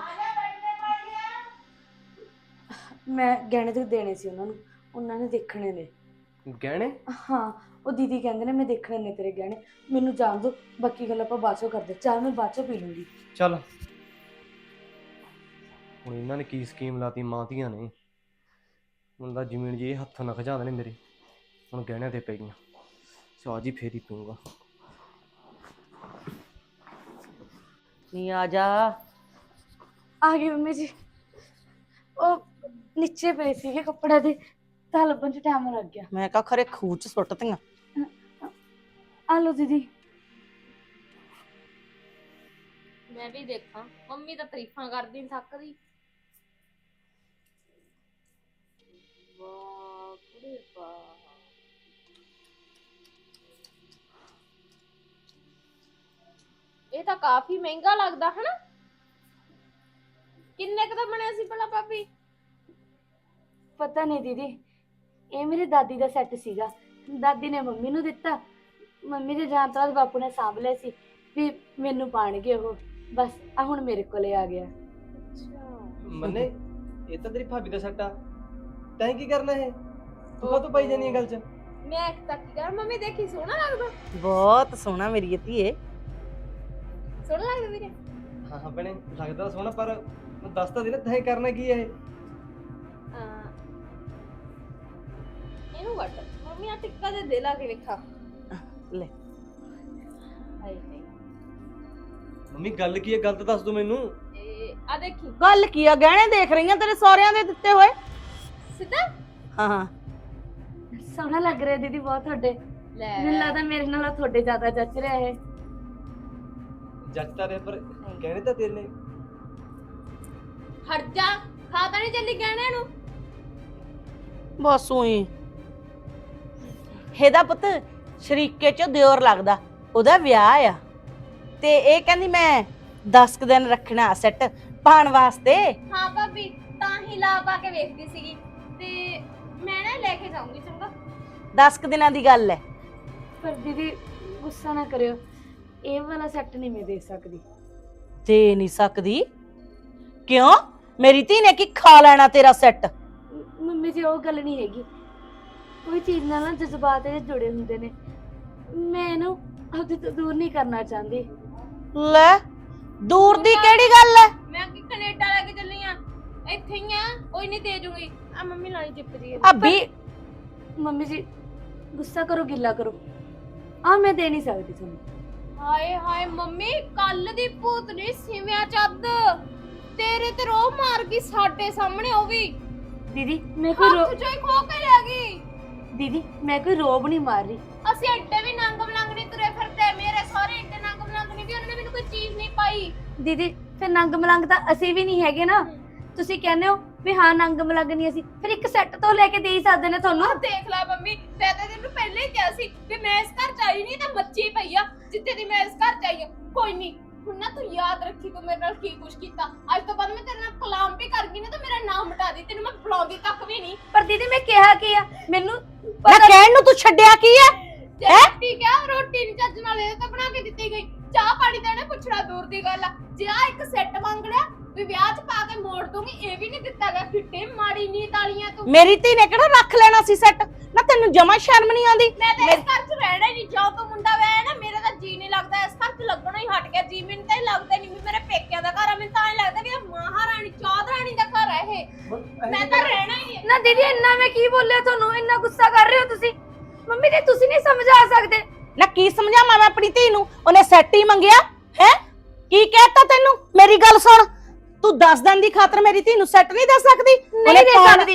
ਮੈਂ ਗਹਿਣੇ ਤੇ ਦੇਣੇ ਸੀ ਉਹਨਾਂ ਨੂੰ, ਉਹਨਾਂ ਨੇ ਦੇਖਣੇ ਨੇ।
ਗਹਿਣੇ?
ਹਾਂ, ਉਹ ਦੀਦੀ ਕਹਿੰਦੇ ਨੇ ਮੈਂ ਦੇਖਣੇ ਨੇ ਤੇਰੇ ਗਹਿਣੇ। ਮੈਨੂੰ ਜਾਣ ਦੋ, ਬਾਕੀ ਗੱਲ ਆਪਾਂ ਬਾਅਦ 'ਚੋਂ ਕਰਦੇ। ਚਾਹ ਮੈਂ ਬਾਅਦ 'ਚੋਂ ਪੀ ਲੂੰਗੀ।
ਚੱਲ ਹੁਣ ਇਹਨਾਂ ਨੇ ਕੀ ਸਕੀਮ ਲਾਤੀ ਮਾਂ ਧੀਆਂ ਨੇ। ਹੁਣ ਤਾਂ ਜ਼ਮੀਨ ਜੀ ਹੱਥੋਂ ਨਾ ਖਜਾ ਦੇਣੇ ਮੇਰੇ। ਹੁਣ ਗਹਿਣਿਆਂ ਤੇ ਪੈ ਗਈਆਂ। ਚਾਹ ਜੀ ਫੇਰ ਹੀ ਪੀਊਂਗਾ।
ਨਹੀਂ ਆ ਜਾ।
ਆ ਗਈ ਮੰਮੀ ਜੀ। ਉਹ ਨੀਚੇ ਪਏ ਸੀਗੇ ਕੱਪੜੇ ਦੇ, ਤਾਂ ਲੱਭਣ ਚ ਟਾਈਮ ਲੱਗ ਗਿਆ।
ਮੈਂ ਕਹਾ ਖਰੇ ਖੂਹ ਚ ਸੁੱਟਤੀਆਂ।
ਆ ਲਓ ਦੀਦੀ।
ਮੈਂ ਵੀ ਦੇਖਾਂ, ਮੰਮੀ ਤਾਂ ਤਾਰੀਫਾਂ ਕਰਦੀ ਨੀ ਥੱਕਦੀ। ਵਾਹ ਕੁੜੇ ਵਾਹ। ਇਹ ਤਾਂ ਕਾਫੀ ਮਹਿੰਗਾ ਲੱਗਦਾ ਹਨਾ। ਕਿੰਨੇ ਕੁ ਦਾ ਬਣਿਆ ਸੀ ਭਲਾ ਭਾਬੀ?
ਪਤਾ ਨਹੀਂ ਦੀਦੀ, ਇਹ ਮੇਰੀ ਦਾਦੀ ਦਾ ਸੈੱਟ ਸੀਗਾ। ਦਾਦੀ ਨੇ ਮੰਮੀ ਨੂੰ ਦਿੱਤਾ। ਮੰਮੀ ਦੇ ਜਾਣ ਤੋਂ ਬਾਅਦ ਬਾਪੂ ਨੇ ਸਾਂਭ ਲਿਆ ਸੀ ਵੀ ਮੈਨੂੰ ਪਾਣਗੇ ਉਹ। ਬਸ ਆ ਹੁਣ ਮੇਰੇ ਕੋਲੇ ਆ ਗਿਆ।
ਮੰਨੇ ਇਹ ਤਾਂ ਤੇਰੀ ਭਾਬੀ ਦਾ ਸੱਟਾ। ਤੈਂ ਕੀ ਕਰਨਾ ਇਹ? ਤੂੰ ਕਾ ਤੂੰ ਪਾਈ ਜਾਨੀ ਗੱਲ ਚ?
ਮੈਂ ਇੱਕ ਤੱਕ ਕੀ ਕਰ ਮੰਮੀ ਦੇਖੀ ਸੋਹਣਾ ਲੱਗਦਾ।
ਬਹੁਤ ਸੋਹਣਾ ਮੇਰੀ ਧੀਏ।
ਸੋਹਣਾ ਲੱਗਦਾ ਵੀਰੇ।
ਹਾਂ ਹਾਂ ਭੈਣੇ ਲੱਗਦਾ ਸੋਹਣਾ, ਪਰ ਮੈਂ ਦੱਸ ਤਾਂ ਦੇ ਨਾ ਤੈਂ ਕਰਨਾ ਕੀ ਹੈ ਇਹ?
ਹਾਂ ਇਹਨੂੰ ਵੱਟ ਮੰਮੀ ਆ ਟਿੱਕਾ ਦੇ ਦੇ ਲਾ ਕੇ ਵੇਖਾ।
ਲੈ
ਹਾਏ ਹਾਏ
ਮੰਮੀ ਗੱਲ ਕੀ ਹੈ? ਗੱਲ ਤਾਂ ਦੱਸ ਦੋ ਮੈਨੂੰ।
ਇਹ ਆ ਦੇਖੀ
ਗੱਲ ਕੀ ਆ? ਗਹਿਣੇ ਦੇਖ ਰਹੀਆਂ ਤੇਰੇ ਸਹੁਰਿਆਂ ਦੇ ਦਿੱਤੇ ਹੋਏ।
ਸਿੱਧਾ।
ਹਾਂ ਹਾਂ
ਸੋਹਣਾ ਲੱਗ ਰਿਹਾ ਦੀਦੀ ਬਹੁਤ ਤੁਹਾਡੇ।
ਲੈ
ਮੈਨੂੰ ਲੱਗਦਾ ਮੇਰੇ ਨਾਲ ਤੁਹਾਡੇ ਜ਼ਿਆਦਾ ਜੱਚ ਰਿਹਾ ਇਹ।
ਜੱਜਤਾ ਦੇ ਪਰ ਕਹਿਣੇ ਤਾਂ ਤੇਰੇ ਨੇ।
ਹਟ ਜਾ, ਖਾ ਤਾਂ ਨਹੀਂ ਚੱਲੀ ਗਹਿਣਿਆਂ ਨੂੰ।
ਬਸ ਉਹੀ ਇਹਦਾ ਪੁੱਤ ਸ਼ਰੀਕੇ ਚ ਦਿਓਰ ਲੱਗਦਾ, ਉਹਦਾ ਵਿਆਹ ਆ ਤੇ ਇਹ ਕਹਿੰਦੀ ਮੈਂ ਦਸ ਕੁ ਦਿਨ ਰੱਖਣਾ ਸੈੱਟ ਪਾਣ ਵਾਸਤੇ।
ਹਾਂ ਭਾਬੀ ਤਾਂ ਹੀ ਲਾ ਪਾ ਕੇ ਵੇਖਦੀ ਸੀਗੀ ਤੇ ਮੈਂ ਨਾ ਲੈ ਕੇ ਜਾਊਂਗੀ। ਚੰਗਾ
ਦਸ ਕੁ ਦਿਨਾਂ ਦੀ ਗੱਲ ਹੈ।
ਪਰ ਦੀਦੀ ਗੁੱਸਾ ਨਾ ਕਰਿਓ, ਇਹ ਵਾਲਾ ਸੈੱਟ ਨਹੀਂ ਮੈਂ ਦੇ ਸਕਦੀ।
ਦੇ ਨਹੀਂ ਸਕਦੀ? ਕਿਉਂ? ਮੇਰੀ ਧੀ ਨੇ ਕੀ ਖਾ ਲੈਣਾ ਤੇਰਾ ਸੈੱਟ?
ਮ- ਮੰਮੀ ਜੀ ਉਹ ਗੱਲ ਨਹੀਂ ਹੈਗੀ। ਕੋਈ ਚੀਜ਼ ਨਾਲ ਨਾ ਜਜ਼ਬਾਤ ਇਹਦੇ ਜੁੜੇ ਹੁੰਦੇ ਨੇ। ਮੈਂ ਇਹਨੂੰ ਆਪਦੇ ਤੋਂ ਦੂਰ ਨਹੀਂ ਕਰਨਾ ਚਾਹੁੰਦੀ।
ਲੈ ਦੂਰ ਦੀ ਕਿਹੜੀ ਗੱਲ ਹੈ?
ਮੈਂ ਕਿ ਕੈਨੇਡਾ ਲੈ ਕੇ ਚੱਲੀ ਆ, ਇੱਥੇ ਹੀ ਆ, ਕੋਈ ਨਹੀਂ ਦੇ ਜੂਗੀ। ਆ ਮੰਮੀ ਲਾਈ ਚਿੱਪ ਜੀ
ਆ ਵੀ
ਮੰਮੀ ਜੀ ਗੁੱਸਾ ਕਰੋ ਗਿੱਲਾ ਕਰੋ, ਆ ਮੈਂ ਦੇ ਨਹੀਂ ਸਕਦੀ ਤੁਹਾਨੂੰ।
ਹਾਏ ਹਾਏ ਮੰਮੀ ਕੱਲ ਦੀ ਭੂਤਨੀ ਸਿਵਿਆਂ ਚੱਦ ਤੇਰੇ ਤੇ ਰੋਹ ਮਾਰ ਗਈ ਸਾਡੇ ਸਾਹਮਣੇ। ਉਹ ਵੀ
ਦੀਦੀ ਮੈਂ ਕੋਈ ਰੋ-
ਹੱਥ ਚੋਂ ਹੀ ਖੋ ਕੇ ਲੈ ਗਈ।
ਦੀਦੀ ਮੈਂ ਕੋਈ ਰੋਬ ਨਹੀਂ ਮਾਰ ਰਹੀ।
ਅਸੀਂ ਐਡੇ ਵੀ ਨੰਗ ਮਲੰਗ ਨਹੀਂ ਤੁਰੇ ਫਿਰਦੇ। ਮੇਰੇ ਸਾਰੇ ਐਡੇ ਨੰਗ ਮਲੰਗ ਨਹੀਂ ਵੀ ਉਹਨਾਂ ਨੇ ਮੈਨੂੰ ਕੋਈ ਚੀਜ਼ ਨਹੀਂ ਪਾਈ।
ਦੀਦੀ ਫਿਰ ਨੰਗ ਮਲੰਗ ਤਾਂ ਅਸੀਂ ਵੀ ਨਹੀਂ ਹੈਗੇ ਨਾ। ਤੁਸੀਂ ਕਹਿੰਦੇ ਹੋ ਵੀ ਹਾਂ ਨੰਗ ਮਲੰਗ ਨਹੀਂ ਅਸੀਂ, ਫਿਰ ਇੱਕ ਸੈੱਟ ਤੋਂ ਲੈ ਕੇ ਦੇ ਹੀ ਸਕਦੇ ਨੇ ਤੁਹਾਨੂੰ।
ਆਹ ਦੇਖ ਲੈ ਮੰਮੀ, ਮੈਂ ਤਾਂ ਤੈਨੂੰ ਪਹਿਲਾਂ ਹੀ ਕਿਹਾ ਸੀ ਵੀ ਮੈਂ ਇਸ ਘਰ ਚ ਆਈ ਨਹੀਂ ਤਾਂ ਮੱਚੀ ਪਈ ਆ ਜਿੱਥੇ ਦੀ ਮੈਂ ਇਸ ਘਰ ਚ ਆਈ ਆ। ਕੋਈ ਨਹੀਂ ਹੁਣ ਨਾ ਤੂੰ ਯਾਦ ਰੱਖੀ ਤੂੰ ਮੇਰੇ ਨਾਲ ਕੀ ਕੁਛ ਕੀਤਾ। ਅੱਜ ਤੋਂ ਬਾਅਦ ਮੈਂ ਤੇਰੇ ਨਾਲ ਕਲਾਮ ਵੀ ਕਰ ਗਈ ਨਾ ਤਾਂ ਮੇਰਾ ਨਾਮ ਮਿਟਾ ਦੇ। ਤੈਨੂੰ ਮੈਂ ਬੁਲਾਉਂਦੀ ਤੱਕ ਵੀ ਨਹੀਂ।
ਪਰ ਦੀਦੀ ਮੈਂ ਕਿਹਾ ਕੀ ਆ ਮੈਨੂੰ
ਨਾ ਕਹਿਣ ਨੂੰ ਤੂੰ ਛੱਡਿਆ ਕੀ ਹੈ?
ਜੇ ਰੋਟੀ ਕਿਹਾ ਰੋਟੀ ਨਹੀਂ ਚੱਜ ਨਾਲ ਇਹ ਤਾਂ ਬਣਾ ਕੇ ਦਿੱਤੀ ਗਈ। ਚਾਹ ਪਾਣੀ ਦਾ ਇਹਨੇ ਪੁੱਛਣਾ ਦੂਰ ਦੀ ਗੱਲ ਆ। ਜੇ ਆ ਇੱਕ ਸੈੱਟ ਮੰਗ ਲਿਆ ਵੀ ਵਿਆਹ ਚ ਪਾ ਕੇ ਮੋੜ ਦੂੰਗੀ, ਇਹ ਵੀ ਨਹੀਂ ਦਿੱਤਾ ਗਿਆ। ਕਿੱਡੇ ਮਾੜੀ ਨੀਤ ਵਾਲੀਆਂ ਤੂੰ।
ਮੇਰੀ ਧੀ ਨੇ ਕਿਹੜਾ ਰੱਖ ਲੈਣਾ ਸੀ ਸੈੱਟ? ਨਾ ਤੈਨੂੰ ਜਮਾ ਸ਼ਰਮ ਨਹੀਂ ਆਉਂਦੀ?
ਮੈਂ ਤਾਂ ਇਸ ਘਰ ਚ ਰਹਿਣਾ ਹੀ ਨਹੀਂ। ਜੋ ਤੂੰ ਮੁੰਡਾ ਵਿਆਹਿਆ ਨਾ ਮੇਰਾ ਤਾਂ ਜੀ ਨਹੀਂ ਲੱਗਦਾ ਇਸ ਘਰ ਚ, ਲੱਗਣਾ ਹੀ ਹਟ ਗਿਆ ਜੀ। ਮੈਨੂੰ ਤਾਂ ਇਹ ਲੱਗਦਾ ਨਹੀਂ ਵੀ ਮੇਰੇ ਪੇਕਿਆਂ ਦਾ ਘਰ ਆ। ਮੈਨੂੰ ਤਾਂ ਇਹ ਲੱਗਦਾ ਵੀ ਇਹ ਮਹਾਰਾਣੀ ਚੌਧਰਾਣੀ ਦਾ ਘਰ ਹੈ ਇਹ। ਮੈਂ ਤਾਂ ਰਹਿਣਾ ਹੀ ਨਹੀਂ।
ਨਾ ਦੀਦੀ ਇੰਨਾ ਮੈਂ ਕੀ ਬੋਲਿਆ ਤੁਹਾਨੂੰ? ਇੰਨਾ ਗੁੱਸਾ ਕਰ ਰਹੇ ਹੋ ਤੁਸੀਂ। ਮੰਮੀ ਜੀ ਤੁਸੀਂ ਨਹੀਂ ਸਮਝਾ ਸਕਦੇ।
ਨਾ ਕੀ ਸਮਝਾਵਾਂ ਮੈਂ ਆਪਣੀ ਧੀ ਨੂੰ? ਉਹਨੇ ਸੈੱਟ ਹੀ ਮੰਗਿਆ ਹੈ। ਕੀ ਕਹਿਤਾ ਤੈਨੂੰ? ਮੇਰੀ ਗੱਲ ਸੁਣ, ਤੂੰ ਦਸ ਦਿਨ ਦੀ ਖਾਤਰ ਮੇਰੀ ਧੀ ਨੂੰ ਸੈੱਟ ਨਹੀਂ ਦੇ ਸਕਦੀ?
ਨਹੀਂ ਦੇ ਸਕਦੀ।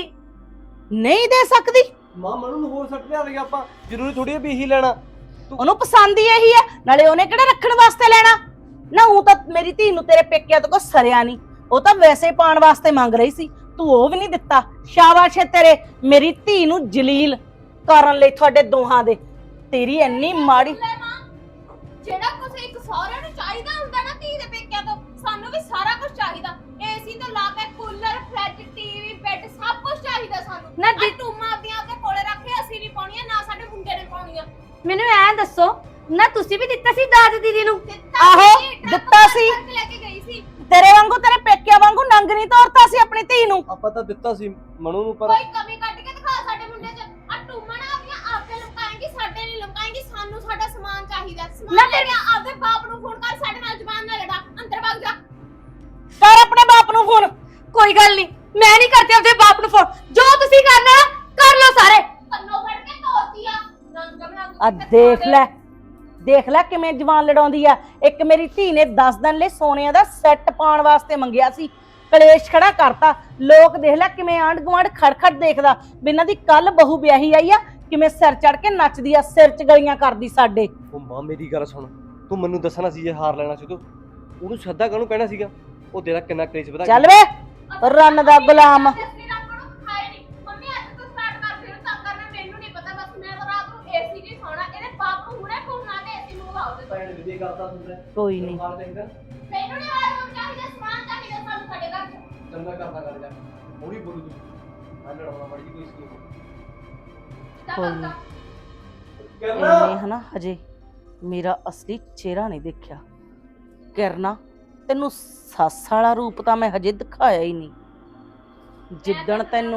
ਨਹੀਂ ਦੇ ਸਕਦੀ?
ਮਾਂ ਮਨੂੰ ਨੂੰ ਹੋਰ ਸੱਟ ਲਿਆ ਦੇਗਾ ਆਪਾਂ। ਜ਼ਰੂਰੀ ਥੋੜੀ ਹੈ ਵੀ ਇਹੀ ਲੈਣਾ।
ਉਹਨੂੰ ਪਸੰਦ ਹੀ ਇਹੀ ਹੈ, ਨਾਲੇ ਉਹਨੇ ਕਿਹੜਾ ਰੱਖਣ ਵਾਸਤੇ ਲੈਣਾ। ਨਾ ਉਹ ਤਾਂ ਮੇਰੀ ਧੀ ਨੂੰ ਤੇਰੇ ਪੇਕਿਆਂ ਤੋਂ ਕੋ ਸਰਿਆ ਨਹੀਂ, ਉਹ ਤਾਂ ਵੈਸੇ ਪਾਣ ਵਾਸਤੇ ਮੰਗ ਰਹੀ ਸੀ, ਤੂੰ ਉਹ ਵੀ ਨਹੀਂ ਦਿੱਤਾ। ਸ਼ਾਬਾਸ਼ ਹੈ ਤੇਰੇ, ਮੇਰੀ ਧੀ ਨੂੰ ਜਲੀਲ ਕਰਨ ਲਈ ਤੁਹਾਡੇ ਦੋਹਾਂ ਦੇ। ਤੇਰੀ ਇੰਨੀ ਮਾੜੀ।
ਲੈ ਮਾਂ, ਜਿਹੜਾ ਕੁਝ ਇੱਕ ਸਹੁਰੇ ਨੂੰ ਚਾਹੀਦਾ ਹੁੰਦਾ ਨਾ ਧੀ ਦੇ ਪੇਕਿਆਂ ਤੋਂ, ਸਾਨੂੰ ਵੀ ਸਾਰਾ ਕੁਝ ਚਾਹੀਦਾ। ਏਸੀ ਤੋਂ ਲਾ ਕੇ ਕੂਲਰ, ਫ੍ਰਿਜ, ਟੀਵੀ, ਬੈੱਡ ਸਭ ਕੁਝ ਚਾਹੀਦਾ ਸਾਨੂੰ।
ਨਾ
ਨਾ ਟੂਮਾਂ ਆਪਦੀਆਂ ਆਪਦੇ ਕੋਲੇ ਰੱਖ ਕੇ ਅਸੀਂ ਨਹੀਂ ਪਾਉਣੀਆਂ, ਨਾ ਸਾਡੇ ਮੁੰਡੇ ਨੇ ਪਾਉਣੀਆਂ।
ਮੈਨੂੰ ਐਂ ਦੱਸੋ ਨਾ, ਤੁਸੀਂ ਵੀ ਦਿੱਤਾ ਸੀ ਦਾਜ ਦੀਦੀ ਨੂੰ?
ਦਿੱਤਾ
ਆਹੋ,
ਸੀ, ਟਰੱਕ
ਦਿੱਤਾ
ਭਰ
ਸੀ।
ਕੇ ਲੈ ਕੇ ਗਈ ਸੀ।
ਤੇਰੇ ਵਾਂਗੂ, ਤੇਰੇ ਪੇਕਿਆਂ ਵਾਂਗੂ ਨੰਗ ਨਹੀਂ ਤੋਰਤਾ ਸੀ ਆਪਣੀ ਧੀ ਨੂੰ।
ਆਪਾਂ ਤਾਂ ਦਿੱਤਾ ਸੀ ਮਨੂ ਨੂੰ, ਪਰ
ਕੋਈ ਕਮੀ ਕੱਢ ਕੇ ਦਿਖਾ ਸਾਡੇ ਮੁੰਡੇ 'ਚ। ਆ ਟੂਮਾਂ ਨਾ ਆਪਣੀਆਂ ਆਪੇ ਲਮਕਾਏਂਗੀ, ਸਾਡੇ ਨਹੀਂ ਲਮਕਾਏਂਗੀ। ਸਾਨੂੰ ਸਾਡਾ ਸਮਾਨ ਚਾਹੀਦਾ। ਸਮਾਨ
ਨਾ
ਲੈ
ਫਿਰ-
ਕੇ ਆਪਦੇ ਬਾਪ ਨੂੰ ਫੋਨ ਕਰ, ਸਾਡੇ ਨਾਲ ਜ਼ੁਬਾਨ ਨਾ ਲੜਾ। ਅੰਦਰ ਵਗ ਜਾ।
ਕਰ ਆਪਣੇ ਬਾਪ ਨੂੰ ਫੋਨ।
ਕੋਈ ਗੱਲ ਨਹੀਂ, ਮੈਂ ਨਹੀਂ ਕਰਦੀ ਆਪਦੇ ਬਾਪ ਨੂੰ ਫੋਨ। ਜੋ ਤੁਸੀਂ ਕਰਨਾ ਨਾ ਕਰ ਲਓ ਸਾਰੇ।
ਕੰਨੋਂ ਫੜ ਕੇ ਤੋਤੀ ਆ ਨੰਗ ਬਣਾ
ਆ ਦੇਖ ਲੈ ਦੇਖ ਲੈ ਕਿਵੇਂ ਜਵਾਨ ਲੜਾਉਂਦੀ ਆ। ਇੱਕ ਮੇਰੀ ਧੀ ਨੇ ਦਸ ਦਿਨ ਲਈ ਸੋਨੇ ਦਾ ਸੈੱਟ ਪਾਉਣ ਵਾਸਤੇ ਮੰਗਿਆ ਸੀ, ਕਲੇਸ਼ ਖੜਾ ਕਰਤਾ। ਲੋਕ ਦੇਖ ਲੈ ਕਿਵੇਂ ਆਂਢ ਗੁਆਂਢ ਖੜਖੜ ਦੇਖਦਾ ਵੀ ਇਹਨਾਂ ਦੀ ਕੱਲ ਬਹੂ ਵਿਆਹੀ ਆਈ ਆ, ਕਿਵੇਂ ਸਿਰ ਚੜ ਕੇ ਨੱਚਦੀ ਆ, ਸਿਰ ਚ ਗਲੀਆਂ ਕਰਦੀ ਸਾਡੇ।
ਉਹ ਮਾਂ ਮੇਰੀ ਗੱਲ ਸੁਣ, ਤੂੰ ਮੈਨੂੰ ਦੱਸਣਾ ਸੀ ਜੇ ਹਾਰ ਲੈਣਾ ਸੀ ਤੂੰ ਉਹਨੂੰ ਸੱਦਾ ਕਾਹਨੂੰ ਕਹਿਣਾ ਸੀਗਾ? ਉਹ ਤੇਰਾ ਕਿੰਨਾ ਕਲੇਸ਼ ਵਧਾ
ਚੱਲ ਵੇ ਰੰਨ ਦਾ ਗੁਲਾਮ।
ਜਸਮੀਨ ਆਪਾਂ ਨੂੰ ਖਾਏ ਨਹੀਂ ਮੰਮੀ ਅੱਜ ਤੋਂ ਸਟਾਰਟ ਕਰ ਫਿਰ ਤਾਂ ਕਰਨਾ ਮੈਨੂੰ ਨਹੀਂ ਪਤਾ, ਬਸ ਮੈਂ ਤਾਂ ਰਾਤ ਨੂੰ ਏਸੀ ਨਹੀਂ ਸੌਣਾ। ਇਹਦੇ ਬਾਪ ਨੂੰ ਹੁਣੇ ਫੋਨ ਲਾ ਕੇ ਏਸੀ ਨੂੰ ਲਾਓ ਦੇ।
ਭੈਣ ਵੀ ਕਰਦਾ ਹੁੰਦਾ
ਕੋਈ ਨਹੀਂ
ਮਾਰ ਦੇਂਗਾ
ਮੈਨੂੰ ਨਹੀਂ ਆਇਆ ਚਾਹੀਦਾ ਸਮਾਨ ਚਾਹੀਦਾ ਸਾਨੂੰ ਸਾਡੇ ਘਰ ਚ।
ਚੰਗਾ ਕਰਦਾ ਕਰ ਜਾ ਥੋੜੀ ਬੋਲੂ ਤੂੰ ਮੈਂ ਲੜਾਉਣਾ ਮੜੀ ਕੋਈ ਸਕੀਮ
ਕੋਈ ਨਹੀਂ
ਕਰਨਾ
ਇਹਨੇ ਹਨਾ ਹਜੇ ਮੇਰਾ ਅਸਲੀ ਚਿਹਰਾ ਨਹੀਂ ਦੇਖਿਆ। ਕਿਰਨਾ ਤੈਨੂੰ ਸੱਸ ਵਾਲਾ ਰੂਪ ਤਾਂ ਮੈਂ ਹਜੇ ਦਿਖਾਇਆ ਹੀ ਨਹੀਂ। ਜਿੱਦਣ ਤੈਨੂੰ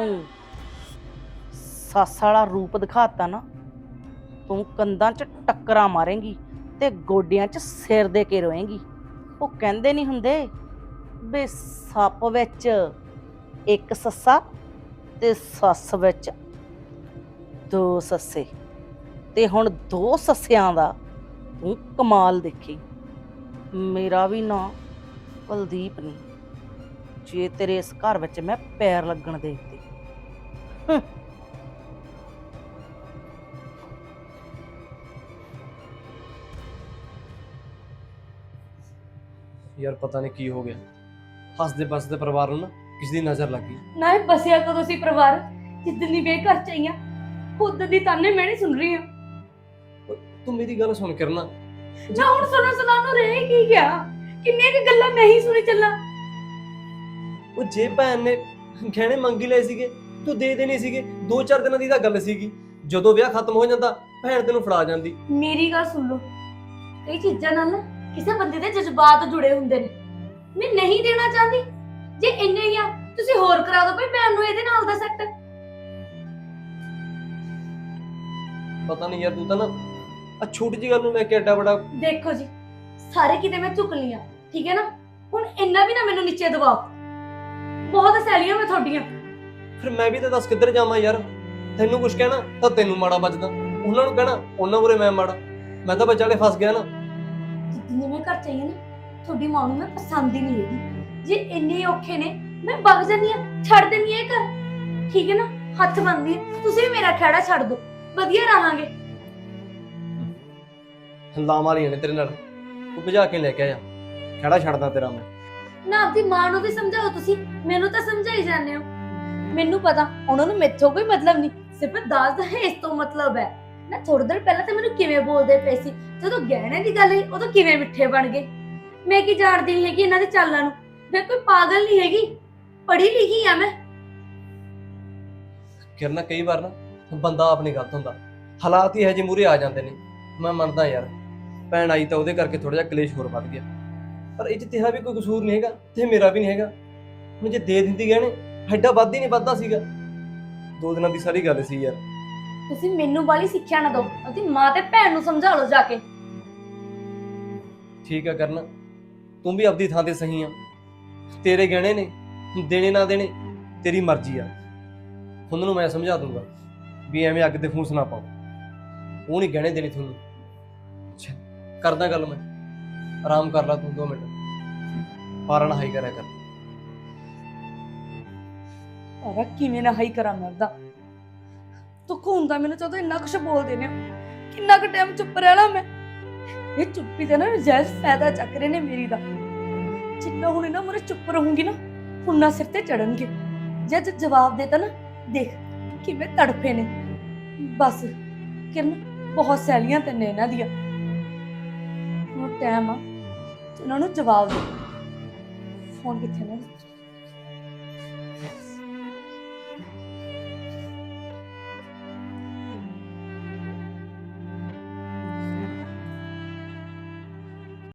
ਸੱਸ ਵਾਲਾ ਰੂਪ ਦਿਖਾਤਾ ਨਾ, ਤੂੰ ਕੰਧਾਂ 'ਚ ਟੱਕਰਾਂ ਮਾਰੇਂਗੀ ਤੇ ਗੋਡਿਆਂ 'ਚ ਸਿਰ ਦੇ ਕੇ ਰੋਏਂਗੀ। ਉਹ ਕਹਿੰਦੇ ਨਹੀਂ ਹੁੰਦੇ ਵੀ ਸੱਪ ਵਿੱਚ ਇੱਕ ਸੱਸਾ ਤੇ ਸੱਸ ਵਿੱਚ ਦੋ ਸੱਸੇ, ਤੇ ਹੁਣ ਦੋ ਸੱਸਿਆਂ ਦਾ ਤੂੰ ਕਮਾਲ ਦੇਖੀ। ਮੇਰਾ ਵੀ ਨਾਂ ਕੁਲਦੀਪ ਨਹੀਂ, ਜੇ ਤੇਰੇ ਇਸ ਘਰ ਵਿੱਚ ਮੈਂ ਪੈਰ ਲੱਗਣ ਦੇਤੇ। ਹੂੰ।
ਯਾਰ ਪਤਾ ਨਹੀਂ ਕੀ ਹੋ ਗਿਆ, ਹੱਸਦੇ ਬਸਦੇ ਪਰਿਵਾਰ ਨੂੰ ਨਾ ਕਿਸੇ ਦੀ ਨਜ਼ਰ ਲੱਗੀ।
ਨਾ ਇਹ ਬਸਿਆ ਕਦੋਂ ਸੀ ਪਰਿਵਾਰ? ਜਿੱਦਣ ਦੀ ਵੇ ਘਰ ਚ ਆਈਆਂ ਖੁਦ ਦੀ ਤਾਨੇ ਮੈਂ ਨਹੀਂ ਸੁਣ ਰਹੀ ਹਾਂ।
ਤੂੰ ਮੇਰੀ ਗੱਲ ਸੁਣ ਕਰਨਾ,
ਨਾ ਹੁਣ ਸੁਣੋ ਸੁਣਾ ਨੂੰ ਰਹਿ ਕੀ ਗਿਆ? ਕਿੰਨੀਆਂ ਕਿ ਗੱਲਾਂ ਮੈਂ ਹੀ ਸੁਣੀ ਚੱਲਾਂ।
ਉਹ ਜੇ ਭੈਣ ਨੇ ਗਹਿਣੇ ਮੰਗੀ ਲਏ ਸੀਗੇ ਤੂੰ ਦੇ ਦੇਣੇ ਸੀਗੇ। ਦੋ ਚਾਰ ਦਿਨਾਂ ਦੀ ਤਾਂ ਗੱਲ ਸੀਗੀ, ਜਦੋਂ ਵਿਆਹ ਖਤਮ ਹੋ ਜਾਂਦਾ ਭੈਣ ਤੈਨੂੰ ਫੜਾ ਜਾਂਦੀ।
ਮੇਰੀ ਗੱਲ ਸੁਣ ਲਓ, ਕਈ ਚੀਜ਼ਾਂ ਨਾਲ ਨਾ ਕਿਸੇ ਬੰਦੇ ਦੇ ਜਜ਼ਬਾਤ ਜੁੜੇ ਹੁੰਦੇ ਨੇ। ਮੈਂ ਨਹੀਂ ਦੇਣਾ ਚਾਹੁੰਦੀ, ਜੇ ਇੰਨੇ ਹੀ ਆ ਤੁਸੀਂ ਹੋਰ ਕਰਾ ਦਿਓ ਭਈ ਭੈਣ ਨੂੰ ਇਹਦੇ ਨਾਲ ਦਾ ਸੈੱਟ।
ਪਤਾ ਨਹੀਂ ਯਾਰ ਤੂੰ ਤਾਂ ਨਾ ਆ ਛੋਟੀ ਜਿਹੀ ਗੱਲ ਨੂੰ ਲੈ ਕੇ ਐਡਾ ਬੜਾ।
ਦੇਖੋ ਜੀ, ਸਾਰੇ ਕਿਤੇ ਮੈਂ ਝੁਕ ਲੀਆਂ, ਠੀਕ ਹੈ ਨਾ? ਹੁਣ ਇੰਨਾ ਵੀ ਨਾ ਮੈਨੂੰ ਨੀਚੇ ਦਬਾਓ। ਬਹੁਤ ਸੈਲੀਆਂ ਮੈਂ ਤੁਹਾਡੀਆਂ।
ਫਿਰ ਮੈਂ ਵੀ ਤਾਂ ਦੱਸ ਕਿੱਧਰ ਜਾਵਾਂ ਯਾਰ? ਤੈਨੂੰ ਕੁਝ ਕਹਿਣਾ ਤਾਂ ਤੈਨੂੰ ਮਾੜਾ ਵੱਜਦਾ, ਉਹਨਾਂ ਨੂੰ ਕਹਿਣਾ ਉਹਨਾਂ ਮੂਹਰੇ ਮੈਂ ਮਾੜਾ। ਮੈਂ ਤਾਂ ਵਿਚਾਲੇ ਫਸ ਗਿਆ ਨਾ।
ਜਿੰਨੀ ਮੈਂ ਘਰ ਚਾਹੀਏ ਨਾ, ਤੁਹਾਡੀ ਮਾਂ ਨੂੰ ਮੈਂ ਪਸੰਦ ਹੀ ਨਹੀਂ ਹੈਗੀ। ਜੇ ਇੰਨੇ ਔਖੇ ਨੇ ਮੈਂ ਵਗ ਜਾਂਦੀ ਆ, ਛੱਡ ਦਿੰਦੀ ਆ ਇਹ ਘਰ, ਠੀਕ ਹੈ ਨਾ? ਹੱਥ ਬੰਨ੍ਹਦੀ ਆ, ਤੁਸੀਂ ਵੀ ਮੇਰਾ ਖਹਿੜਾ ਛੱਡ ਦਿਓ, ਵਧੀਆ ਰਹਾਂਗੇ।
ਲਾ ਮਾਰੀਆਂ ਨੇ ਤੇਰੇ ਨਾਲ, ਤੂੰ ਭਜਾ ਕੇ ਲੈ ਕੇ ਆਇਆ, ਖੜਾ ਛੱਡਦਾ ਤੇਰਾ ਮੈਂ।
ਨਾ ਆਪਦੀ ਮਾਂ ਨੂੰ ਵੀ ਸਮਝਾਓ ਤੁਸੀਂ, ਮੈਨੂੰ ਤਾਂ ਸਮਝਾਈ ਜਾਂਦੇ ਹੋ। ਮੈਨੂੰ ਪਤਾ ਉਹਨਾਂ ਨੂੰ ਮੈਥੋਂ ਕੋਈ ਮਤਲਬ ਨਹੀਂ, ਸਿਰਫ ਦਾਜ ਦਾ ਇਸ ਤੋਂ ਮਤਲਬ ਹੈ ਨਾ। ਥੋੜੇ ਦਿਨ ਪਹਿਲਾਂ ਤਾਂ ਮੈਨੂੰ ਕਿਵੇਂ ਬੋਲਦੇ ਪਏ ਸੀ, ਜਦੋਂ ਗਹਿਣੇ ਦੀ ਗੱਲ ਹੋਈ ਉਦੋਂ ਕਿਵੇਂ ਮਿੱਠੇ ਬਣ ਗਏ। ਮੈਂ ਕੀ ਜਾਣਦੀ ਨਹੀਂ ਹੈਗੀ ਇਹਨਾਂ ਦੇ ਚਾਲਾਂ ਨੂੰ। ਮੈਂ ਕੋਈ ਪਾਗਲ ਨਹੀਂ ਹੈਗੀ, ਪੜ੍ਹੀ ਲਿਖੀ ਆ ਮੈਂ।
ਕਿਰਨਾ ਕਈ ਵਾਰ ਨਾ ਬੰਦਾ ਆਪਣੀ ਗਲਤ ਹੁੰਦਾ, ਹਾਲਾਤ ਹੀ ਇਹੋ ਜਿਹੇ ਮੂਹਰੇ ਆ ਜਾਂਦੇ ਨੇ। ਮੈਂ ਮੰਨਦਾ ਯਾਰ ਭੈਣ ਆਈ ਤਾਂ ਉਹਦੇ ਕਰਕੇ ਥੋੜਾ ਜਿਹਾ ਕਲੇਸ਼ ਹੋਰ ਵੱਧ ਗਿਆ, ਪਰ ਇਹ 'ਚ ਤੇਰਾ ਵੀ ਕੋਈ ਕਸੂਰ ਨਹੀਂ ਹੈਗਾ ਤੇ ਮੇਰਾ ਵੀ ਨਹੀਂ ਹੈਗਾ। ਹੁਣ ਜੇ ਦੇ ਦਿੰਦੀ ਗਹਿਣੇ ਐਡਾ ਵੱਧ ਹੀ ਨਹੀਂ ਵੱਧਦਾ ਸੀਗਾ। ਦੋ ਦਿਨਾਂ ਦੀ ਸਾਰੀ ਗੱਲ ਸੀ ਯਾਰ।
ਤੁਸੀਂ ਮੈਨੂੰ ਵਾਲੀ ਸਿੱਖਿਆ ਨਾ ਦਿਓ, ਆਪਦੀ ਮਾਂ ਤੇ ਭੈਣ ਨੂੰ ਸਮਝਾ ਲਓ ਜਾ ਕੇ।
ਠੀਕ ਆ ਕਰਨਾ, ਤੂੰ ਵੀ ਆਪਦੀ ਥਾਂ ਤੇ ਸਹੀ ਆ। ਤੇਰੇ ਗਹਿਣੇ ਨੇ, ਦੇਣੇ ਨਾ ਦੇਣੇ ਤੇਰੀ ਮਰਜ਼ੀ ਆ। ਉਹਨਾਂ ਨੂੰ ਮੈਂ ਸਮਝਾ ਦੂੰਗਾ ਵੀ ਐਵੇਂ ਅੱਗ ਤੇ ਫੂਸ ਨਾ ਪਾਓ, ਉਹ ਨਹੀਂ ਗਹਿਣੇ ਦੇਣੇ ਤੁਹਾਨੂੰ। ਅੱਛਾ ਕਰਦਾ ਗੱਲ ਮੈਂ, ਆਰਾਮ ਕਰ ਲਾ ਤੂੰ ਦੋ ਮਿੰਟ, ਪਾਰਨ ਹਾਈ ਕਰਿਆ ਕਰ।
ਪਰ ਕਿਵੇਂ ਨਾ ਹਾਈ ਕਰਾਂ ਮੈਂ ਉਹਦਾ? ਤੂੰ ਹੁੰਦਾ ਮੈਨੂੰ ਜਦੋਂ ਇੰਨਾ ਕੁਛ ਬੋਲਦੇ ਨੇ, ਕਿੰਨਾ ਕੁ ਟਾਈਮ ਚੁੱਪ ਰਹਿਣਾ ਮੈਂ? ਇਹ ਚੁੱਪੀ ਤੇ ਨਾ ਨਜਾਇਜ਼ ਫਾਇਦਾ ਚੱਕ ਰਹੇ ਨੇ ਮੇਰੀ ਦਾ। ਜਿੰਨਾ ਹੁਣ ਇਹਨਾਂ ਮੂਹਰੇ ਚੁੱਪ ਰਹੂੰਗੀ ਨਾ, ਹੁਣਾ ਸਿਰ ਤੇ ਚੜਨਗੇ। ਜੇ ਅੱਜ ਜਵਾਬ ਦੇਤਾ ਨਾ, ਦੇਖ ਕਿਵੇਂ ਤੜਫੇ ਨੇ। ਬਸ ਕਿਰਨ, ਬਹੁਤ ਸੈਲੀਆਂ ਤੇ ਨੇ ਇਹਨਾਂ ਦੀਆਂ। ਹੁਣ ਟਾਈਮ ਆ ਇਹਨਾਂ ਨੂੰ ਜਵਾਬ ਦੇ। ਫੋਨ ਕਿੱਥੇ ਨਾ